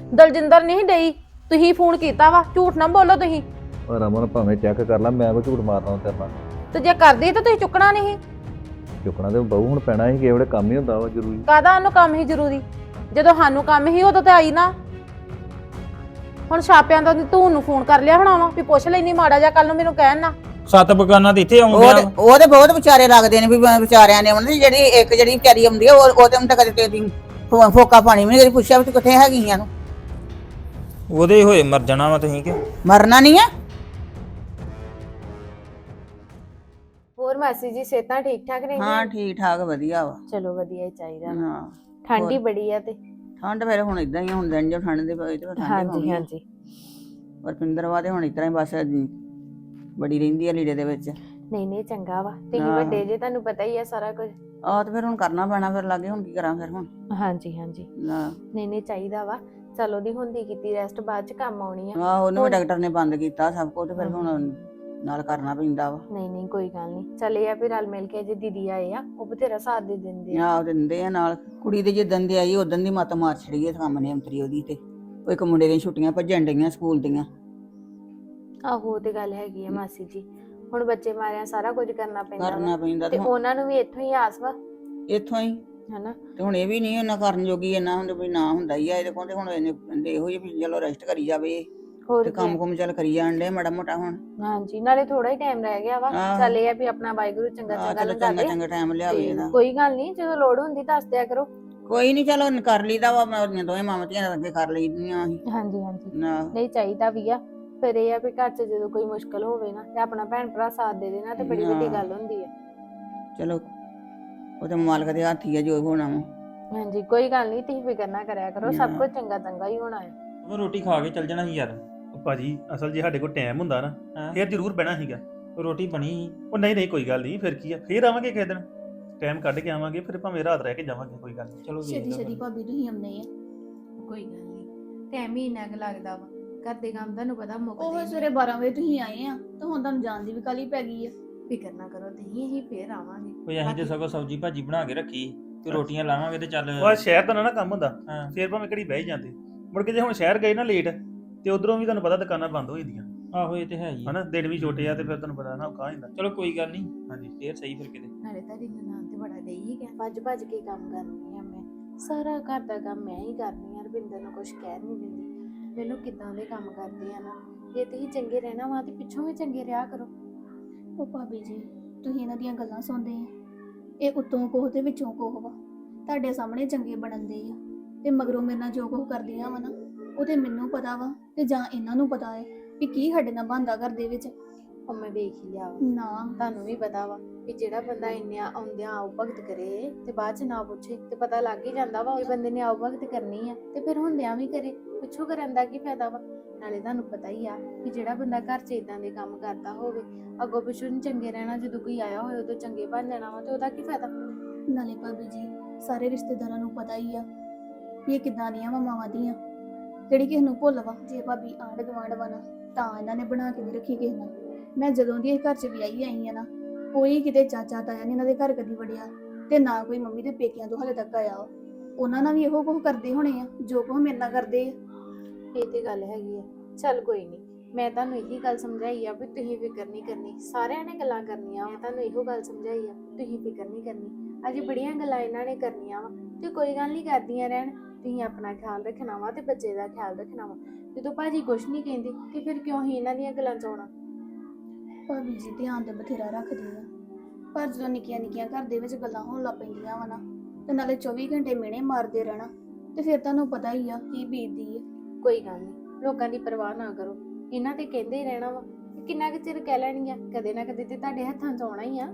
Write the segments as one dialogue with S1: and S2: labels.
S1: ਦਲਜਿੰਦਰ ਨਹੀਂ ਡਈ, ਤੁਸੀਂ ਫੋਨ ਕੀਤਾ ਵਾ, ਝੂਠ ਨਾ ਬੋਲੋ ਤੁਸੀਂ।
S2: ਉਹ ਰਮਨ ਭਾਵੇਂ ਚੈੱਕ ਕਰ ਲਾ, ਮੈਂ ਕੋਈ ਝੂਠ ਮਾਰਨਾ ਤੇਰੇ ਨਾਲ।
S1: ਤੇ ਜੇ ਕਰਦੀ ਤਾਂ ਤੁਸੀਂ ਚੁੱਕਣਾ ਨਹੀਂ।
S2: ਚੁੱਕਣਾ ਤੇ ਬਹੂ ਹੁਣ ਪੈਣਾ ਸੀ, ਕਿਹੜੇ ਕੰਮ ਹੀ ਹੁੰਦਾ ਵਾ ਜ਼ਰੂਰੀ।
S1: ਕਾਹਦਾ ਉਹਨੂੰ ਕੰਮ ਹੀ ਜ਼ਰੂਰੀ, ਜਦੋਂ ਸਾਨੂੰ ਕੰਮ ਹੀ ਉਦੋਂ ਤੇ ਆਈ ਨਾ। ਹੁਣ ਛਾਪਿਆਂ ਦਾ ਤੂੰ ਨੂੰ ਫੋਨ ਕਰ ਲਿਆ ਹੋਣਾ ਵਾ ਵੀ ਪੁੱਛ ਲੈਣੀ ਮਾੜਾ ਜਿਹਾ, ਕੱਲ ਨੂੰ ਮੈਨੂੰ ਕਹਿਣ ਨਾ।
S3: 7 ਬਗਾਨਾ ਤੇ ਇੱਥੇ ਆਉਂਦੇ ਆ।
S4: ਉਹ ਤੇ ਬਹੁਤ ਵਿਚਾਰੇ ਲੱਗਦੇ ਨੇ ਵੀ ਵਿਚਾਰਿਆਂ ਨੇ ਉਹਨਾਂ ਦੀ ਜਿਹੜੀ ਵਿਚਾਰੀ ਆਉਂਦੀ ਆ ਉਹ ਤੇ ਹੁਣ ਤੱਕ ਕਦੇ ਫੋਕਾ ਪਾਣੀ ਵੀ ਨਹੀਂ ਪੁੱਛਿਆ ਵੀ ਤੂੰ ਕਿੱਥੇ ਹੈਗੀਆਂ ਨੂੰ।
S3: ਉਹਦੇ ਹੋਏ ਮਰ ਜਾਣਾ ਵਾ ਤੁਸੀਂ ਕਿ
S4: ਮਰਨਾ ਨਹੀਂ ਆ।
S1: ਹੋਰ ਮਾਸੀ ਜੀ ਸਿਹਤਾਂ ਠੀਕ ਠਾਕ ਨੇ?
S4: ਹਾਂ ਠੀਕ ਠਾਕ ਵਧੀਆ ਵਾ।
S1: ਚਲੋ ਵਧੀਆ ਹੀ ਚਾਹੀਦਾ।
S4: ਹਾਂ
S1: ਠੰਡ ਹੀ ਬੜੀ ਆ ਤੇ
S4: ਠੰਡ ਫਿਰ ਹੁਣ ਇਦਾਂ ਹੀ ਹੁਣ ਦਿਨ ਜੋ ਠੰਡ ਦੇ ਪਏ ਤੇ
S1: ਹਾਂਜੀ ਹਾਂਜੀ।
S4: ਪਰ ਪਿੰਦਰਵਾ ਤੇ ਹੁਣ ਇਸ ਤਰ੍ਹਾਂ ਹੀ ਬਸ ਬੜੀ ਰਹਿੰਦੀ ਆ ਲੀੜੇ ਦੇ ਵਿੱਚ।
S1: ਨਹੀਂ ਨਹੀਂ ਚੰਗਾ ਵਾ, ਤੁਸੀਂ ਵੱਡੇ ਜੇ, ਤੁਹਾਨੂੰ ਪਤਾ ਹੀ ਆ ਸਾਰਾ ਕੁਝ।
S4: ਆਹ ਤੇ ਫਿਰ ਹੁਣ ਕਰਨਾ ਪੈਣਾ, ਫਿਰ ਲਾਗੇ ਹੁਣ ਕੀ ਕਰਾਂ ਫਿਰ ਹੁਣ।
S1: ਹਾਂਜੀ ਹਾਂਜੀ। ਨਹੀਂ ਨਹੀਂ ਚਾਹੀਦਾ ਵਾ, ਚਲੋ ਦੀ ਹੁੰਦੀ ਕੀਤੀ ਰੈਸਟ ਬਾਅਦ ਚ ਕੰਮ ਆਉਣੀ ਆ।
S4: ਆਹ ਉਹਨੂੰ ਵੀ ਡਾਕਟਰ ਨੇ ਬੰਦ ਕੀਤਾ ਸਭ ਕੁਝ, ਤੇ ਫਿਰ ਹੁਣ ਨਾਲ ਕਰਨਾ ਪੈਂਦਾ ਵਾ।
S1: ਨਹੀਂ ਨਹੀਂ ਕੋਈ ਗੱਲ ਨਹੀਂ, ਚਲੇ ਆ ਵੀ ਰਲ ਮਿਲ ਕੇ ਜੇ ਦੀਦੀ ਆਏ ਆ ਉਹ ਬਥੇਰਾ ਸਾਥ ਦੇ ਦਿੰਦੇ ਆ।
S4: ਆਹ ਦਿੰਦੇ ਆ ਨਾਲ। ਕੁੜੀ ਦੇ ਜਿੱਦਣ ਦੀ ਆਈ ਉਦੋਂ ਦੀ ਮੱਤ ਮਾਰ ਛੜੀ ਇਹ ਸਾਹਮਣੇ ਅੰਤਰੀ ਉਹਦੀ ਤੇ। ਉਹ ਇੱਕ ਮੁੰਡੇ ਦੀਆਂ ਛੁੱਟੀਆਂ ਭੱਜਣ ਡਈਆਂ ਸਕੂਲ ਦੀਆਂ।
S1: ਆਹੋ ਉਹ ਤੇ ਗੱਲ ਹੈਗੀ ਆ ਮਾਸੀ ਜੀ, ਹੁਣ ਬੱਚੇ ਮਾਰਿਆ ਸਾਰਾ ਕੁਝ ਕਰਨਾ ਪੈਂਦਾ
S4: ਤੇ
S1: ਉਹਨਾਂ ਨੂੰ ਵੀ ਇੱਥੋਂ ਹੀ ਆਸ ਵਾ।
S4: ਇੱਥੋਂ ਹੀ
S1: ਹਨਾ।
S4: ਤੇ ਹੁਣ ਇਹ ਵੀ ਨਹੀਂ ਉਹਨਾਂ ਕਰਨ ਜੋਗੀ ਇੰਨਾ ਹੁੰਦੇ ਵੀ ਨਾ ਹੁੰਦਾ ਹੀ ਆ ਇਹਦੇ ਕੋਲ। ਤੇ ਹੁਣ ਇਹਨੇ ਇਹੋ ਜਿਹੀ ਵੀ ਚਲੋ ਰੈਸਟ ਕਰੀ ਜਾਵੇ ਤੇ ਕੰਮ ਕੁਮ ਚੱਲ ਕਰੀ ਜਾਣ ਡੇ ਮਾੜਾ ਮੋਟਾ ਹੁਣ।
S1: ਹਾਂਜੀ ਨਾਲੇ ਥੋੜਾ ਹੀ ਟਾਈਮ ਰਹਿ ਗਿਆ ਵਾ, ਚੱਲ ਇਹ ਆ ਵੀ ਆਪਣਾ ਵਾਹਿਗੁਰੂ ਚੰਗਾ ਚੰਗਾ ਲੰਘਾ ਦੇ।
S4: ਚੰਗਾ ਟਾਈਮ ਲਿਆਵੇ ਇਹਦਾ।
S1: ਕੋਈ ਗੱਲ ਨਹੀਂ, ਜਦੋਂ ਲੋੜ ਹੁੰਦੀ ਦੱਸ ਦਿਆ ਕਰੋ।
S4: ਕੋਈ ਨਹੀਂ ਚਲੋ ਕਰ ਲਈਦਾ ਵਾ, ਮੈਂ ਦੋਵੇਂ ਮਾਵਾਂ ਧੀਆਂ ਅੱਗੇ ਕਰ ਲਈਦੀਆਂ ਅਸੀਂ।
S1: ਹਾਂਜੀ ਹਾਂਜੀ ਨਹੀਂ ਚਾਹੀਦਾ ਵੀ ਆ। ਫਿਰ ਇਹ ਆ ਵੀ ਘਰ 'ਚ ਜਦੋਂ ਕੋਈ ਮੁਸ਼ਕਲ ਹੋਵੇ ਨਾ ਤੇ ਆਪਣਾ ਭੈਣ ਭਰਾ ਸਾਥ ਦੇ ਦੇਣਾ ਤੇ ਬੜੀ ਵੱਡੀ ਗੱਲ ਹੁੰਦੀ ਆ।
S4: ਚਲੋ ਉਹ ਤੇ ਮਾਲਕ ਦੇ ਹੱਥ ਹੀ ਆ ਜੋ ਹੋਣਾ ਵਾ।
S1: ਹਾਂਜੀ ਕੋਈ ਗੱਲ ਨਹੀਂ, ਤੁਸੀਂ ਫਿਕਰ ਨਾ ਕਰਿਆ ਕਰੋ, ਸਭ ਕੁਝ ਚੰਗਾ ਚੰਗਾ ਹੀ ਹੋਣਾ ਹੈ।
S3: ਮੈਂ ਰੋਟੀ ਖਾ ਕੇ ਚੱਲ ਜਾਣਾ ਸੀ ਯਾਰ।
S5: ਉਹ ਭਾਜੀ ਅਸਲ ਜੇ ਸਾਡੇ ਕੋਲ ਟਾਈਮ ਹੁੰਦਾ ਨਾ ਫੇਰ ਜ਼ਰੂਰ ਬਹਿਣਾ ਸੀਗਾ।
S3: ਰੋਟੀ ਬਣੀ ਸੀ।
S5: ਉਹ ਨਹੀਂ ਨਹੀਂ ਕੋਈ ਗੱਲ ਨਹੀਂ, ਫਿਰ ਕੀ ਆ, ਫੇਰ ਆਵਾਂਗੇ ਕਿਸੇ ਦਿਨ, ਟਾਈਮ ਕੱਢ ਕੇ ਆਵਾਂਗੇ, ਫਿਰ ਭਾਵੇਂ ਰਾਤ ਰਹਿ ਕੇ ਜਾਵਾਂਗੇ, ਕੋਈ ਗੱਲ ਨਹੀਂ।
S3: ਚਲੋ
S6: ਛੇਤੀ ਛੇਤੀ ਭਾਬੀ ਤੁਸੀਂ ਆਉਂਦੇ ਆ।
S7: ਕੋਈ ਗੱਲ ਨਹੀਂ, ਟਾਈਮ ਹੀ ਇੰਨਾ ਕੁ ਲੱਗਦਾ ਵਾ, ਘਰ ਦੇ ਕੰਮ ਤੁਹਾਨੂੰ ਪਤਾ ਮੁੱਕਦੇ
S6: ਉਹ
S7: ਨਹੀਂ।
S6: ਸਵੇਰੇ 12 ਵਜੇ ਤੁਸੀਂ ਆਏ ਆ ਤੇ ਹੁਣ ਤੁਹਾਨੂੰ ਜਾਣ ਦੀ ਵੀ ਕਾਹਲੀ ਪੈ ਗਈ ਆ।
S7: ਫਿਕਰ ਨਾ ਕਰੋ ਤੁਸੀਂ, ਅਸੀਂ ਫੇਰ ਆਵਾਂਗੇ।
S3: ਕੋਈ ਅਸੀਂ ਤੇ ਸਗੋਂ ਸਬਜ਼ੀ ਭਾਜੀ ਬਣਾ ਕੇ ਰੱਖੀ ਤੇ ਰੋਟੀਆਂ ਲਾਵਾਂਗੇ ਤੇ ਚੱਲ।
S5: ਉਹ ਸ਼ਹਿਰ ਦਾ ਨਾ ਕੰਮ ਹੁੰਦਾ,
S3: ਹਾਂ।
S5: ਫੇਰ ਭਾਵੇਂ ਘੜੀ ਬਹਿ ਹੀ ਜਾਂਦੇ। ਮੁੜ ਕੇ ਜੇ ਹੁਣ ਸ਼ਹਿਰ ਗਏ ਨਾ ਲੇਟ ਤੇ ਉਧਰੋਂ ਵੀ ਤੁਹਾਨੂੰ ਪਤਾ ਦੁਕਾਨਾਂ ਬੰਦ ਹੋ ਜਾਂਦੀਆਂ
S3: ਆਹੋ ਇਹ ਤੇ ਹੈ ਹੀ ਆ।
S5: ਹਨਾ, ਦਿਨ ਵੀ ਛੋਟੇ ਆ ਤੇ ਫਿਰ ਤੁਹਾਨੂੰ ਪਤਾ ਨਾ ਔਖਾ ਹੋ ਜਾਂਦਾ।
S3: ਚਲੋ ਕੋਈ ਗੱਲ ਨਹੀਂ,
S5: ਹਾਂਜੀ
S3: ਫੇਰ ਸਹੀ ਫਿਰ ਕਿਤੇ।
S7: ਨਾਲੇ ਤੁਹਾਡੀ ਨਨਾਣ ਤੇ ਬੜਾ ਗਈ ਹੀ ਗਿਆ, ਭੱਜ ਭੱਜ ਕੇ ਕੰਮ ਕਰਨੀ ਆ ਮੈਂ, ਸਾਰਾ ਘਰ ਦਾ ਕੰਮ ਮੈਂ ਹੀ ਕਰਨੀ ਆ। ਰਵਿੰਦਰ ਨੂੰ ਕੁਝ ਕਹਿ ਨਹੀਂ ਦਿੰਦੀ, ਮੈਨੂੰ ਕਿੱਦਾਂ ਦੇ ਕੰਮ ਕਰਦੇ ਆ ਨਾ। ਜੇ ਤੁਸੀਂ ਚੰਗੇ ਰਹਿਣਾ ਵਾ ਤੇ ਪਿੱਛੋਂ ਵੀ ਚੰਗੇ ਰਿਹਾ ਕਰੋ।
S6: ਉਹ ਭਾਬੀ ਜੀ ਤੁਸੀਂ ਇਹਨਾਂ ਦੀਆਂ ਗੱਲਾਂ ਸੁਣਦੇ ਆ, ਇਹ ਉੱਤੋਂ ਕੋਹ ਤੇ ਵਿੱਚੋਂ ਕੋਹ ਵਾ। ਤੁਹਾਡੇ ਸਾਹਮਣੇ ਚੰਗੇ ਬਣਨਦੇ ਆ ਤੇ ਮਗਰੋਂ ਮੇਰੇ ਨਾਲ ਜੋ ਕੁਝ ਕਰਦੀਆਂ ਵਾ ਨਾ ਉਹ ਤੇ ਮੈਨੂੰ ਪਤਾ ਵਾ ਤੇ ਜਾਂ ਇਹਨਾਂ ਨੂੰ ਪਤਾ ਹੈ ਵੀ ਕੀ ਸਾਡੇ ਨਾਲ ਬਣਦਾ ਘਰ ਦੇ ਵਿੱਚ।
S7: ਉਹ ਮੈਂ ਵੇਖ ਹੀ ਲਿਆ ਵਾ,
S6: ਨਾ
S7: ਤੁਹਾਨੂੰ ਵੀ ਪਤਾ ਵਾ ਵੀ ਜਿਹੜਾ ਬੰਦਾ ਇੰਨੇ ਆਉਂਦਿਆਂ ਆਓ ਭਗਤ ਕਰੇ ਤੇ ਬਾਅਦ ਚ ਨਾ ਪੁੱਛੇ ਤੇ ਪਤਾ ਲੱਗ ਹੀ ਜਾਂਦਾ ਵਾ ਉਹ ਬੰਦੇ ਨੇ ਆਓ ਭਗਤ ਕਰਨੀ ਆ ਤੇ ਫਿਰ ਹੁੰਦਿਆਂ ਵੀ ਕਰੇ, ਪਿੱਛੋਂ ਕਰਨ ਦਾ ਕੀ ਫਾਇਦਾ ਵਾ। ਨਾਲੇ ਤੁਹਾਨੂੰ ਪਤਾ ਹੀ ਆ ਵੀ ਜਿਹੜਾ ਬੰਦਾ ਘਰ 'ਚ ਇਦਾਂ ਦੇ ਕੰਮ ਕਰਦਾ ਹੋਵੇ ਅੱਗੋਂ ਪਿੱਛੋਂ ਨੀ ਚੰਗੇ ਰਹਿਣਾ, ਜਦੋਂ ਕੋਈ ਆਇਆ ਹੋਏ ਉਦੋਂ ਚੰਗੇ ਬਣ ਜਾਣਾ ਵਾ ਤੇ ਉਹਦਾ ਕੀ ਫਾਇਦਾ।
S6: ਨਾਲੇ ਭਾਬੀ ਜੀ ਸਾਰੇ ਰਿਸ਼ਤੇਦਾਰਾਂ ਨੂੰ ਪਤਾ ਹੀ ਆ ਵੀ ਇਹ ਕਿੱਦਾਂ ਦੀਆਂ ਵਾ ਮਾਵਾਂ ਦੀਆਂ, ਕਿਹੜੀ ਕਿਸੇ ਨੂੰ ਭੁੱਲ ਵਾ। ਜੇ ਭਾਬੀ ਆਂਢ ਗੁਆਂਢ ਵਾ ਨਾ ਤਾਂ ਇਹਨਾਂ ਨੇ ਬਣਾ ਕੇ ਨਹੀਂ ਰੱਖੀ ਕਿਸੇ ਨਾਲ। ਮੈਂ ਜਦੋਂ ਦੀ ਇਹ ਘਰ 'ਚ ਵਿਆਹੀ ਆਈ ਆ ਨਾ ਕੋਈ ਕਿਤੇ ਚਾਚਾ ਤਾਇਆ ਨਹੀਂ ਇਹਨਾਂ ਦੇ ਘਰ ਕਦੀ ਵੜਿਆ ਤੇ ਨਾ ਕੋਈ ਮੰਮੀ ਦੇ ਪੇਕਿਆਂ ਤੋਂ ਹਲੇ ਤੱਕ ਆਇਆ। ਉਹਨਾਂ ਨਾਲ ਵੀ ਇਹੋ ਕੁਝ ਕਰਦੇ ਹੋਣੇ ਆ ਜੋ ਕੁਝ ਮੇਰੇ ਨਾਲ ਕਰਦੇ ਆ।
S7: ਇਹ ਤੇ ਗੱਲ ਹੈਗੀ ਆ, ਚੱਲ ਕੋਈ ਨਹੀਂ, ਮੈਂ ਤੁਹਾਨੂੰ ਇਹੀ ਗੱਲ ਸਮਝਾਈ ਆ ਵੀ ਤੁਸੀਂ ਫਿਕਰ ਨਹੀਂ ਕਰਨੀ, ਸਾਰਿਆਂ ਨੇ ਗੱਲਾਂ ਕਰਨੀਆਂ। ਮੈਂ ਤੁਹਾਨੂੰ ਇਹੋ ਗੱਲ ਸਮਝਾਈ ਆ ਤੁਸੀਂ ਫਿਕਰ ਨਹੀਂ ਕਰਨੀ, ਅਜੇ ਬੜੀਆਂ ਗੱਲਾਂ ਇਹਨਾਂ ਨੇ ਕਰਨੀਆਂ ਵਾ ਤੇ ਕੋਈ ਗੱਲ ਨਹੀਂ, ਕਰਦੀਆਂ ਰਹਿਣ। ਤੁਸੀਂ ਆਪਣਾ ਖਿਆਲ ਰੱਖਣਾ ਵਾ ਤੇ ਬੱਚੇ ਦਾ ਖਿਆਲ ਰੱਖਣਾ ਵਾ। ਜਦੋਂ ਭਾਜੀ ਕੁਛ ਨਹੀਂ ਕਹਿੰਦੇ ਤੇ ਫਿਰ ਕਿਉਂ ਹੀ ਇਹਨਾਂ ਦੀਆਂ ਗੱਲਾਂ 'ਚ ਆਉਣਾ।
S6: ਭਾਬੀ ਜੀ ਧਿਆਨ ਤੇ ਬਥੇਰਾ ਰੱਖਦੀ ਆ, ਪਰ ਜਦੋਂ ਨਿੱਕੀਆਂ ਨਿੱਕੀਆਂ ਘਰ ਦੇ ਵਿੱਚ ਗੱਲਾਂ ਹੋਣ ਲੱਗ ਪੈਂਦੀਆਂ ਵਾ ਨਾ ਤੇ ਨਾਲੇ 24 ਘੰਟੇ ਮਿਹਣੇ ਮਾਰਦੇ ਰਹਿਣਾ ਤੇ ਫਿਰ ਤੁਹਾਨੂੰ ਪਤਾ ਹੀ ਆ ਕੀ ਬੀਤਦੀ ਆ।
S7: ਕੋਈ ਗੱਲ ਨਹੀਂ, ਲੋਕਾਂ ਦੀ ਪਰਵਾਹ ਨਾ ਕਰੋ, ਇਹਨਾਂ ਤੇ ਕਹਿੰਦੇ ਹੀ ਰਹਿਣਾ ਵਾ, ਕਿੰਨਾ ਕੁ ਚਿਰ ਕਹਿ ਲੈਣੀਆਂ, ਕਦੇ ਨਾ ਕਦੇ ਤੇ ਤੁਹਾਡੇ ਹੱਥਾਂ 'ਚ ਆਉਣਾ ਹੀ ਆ।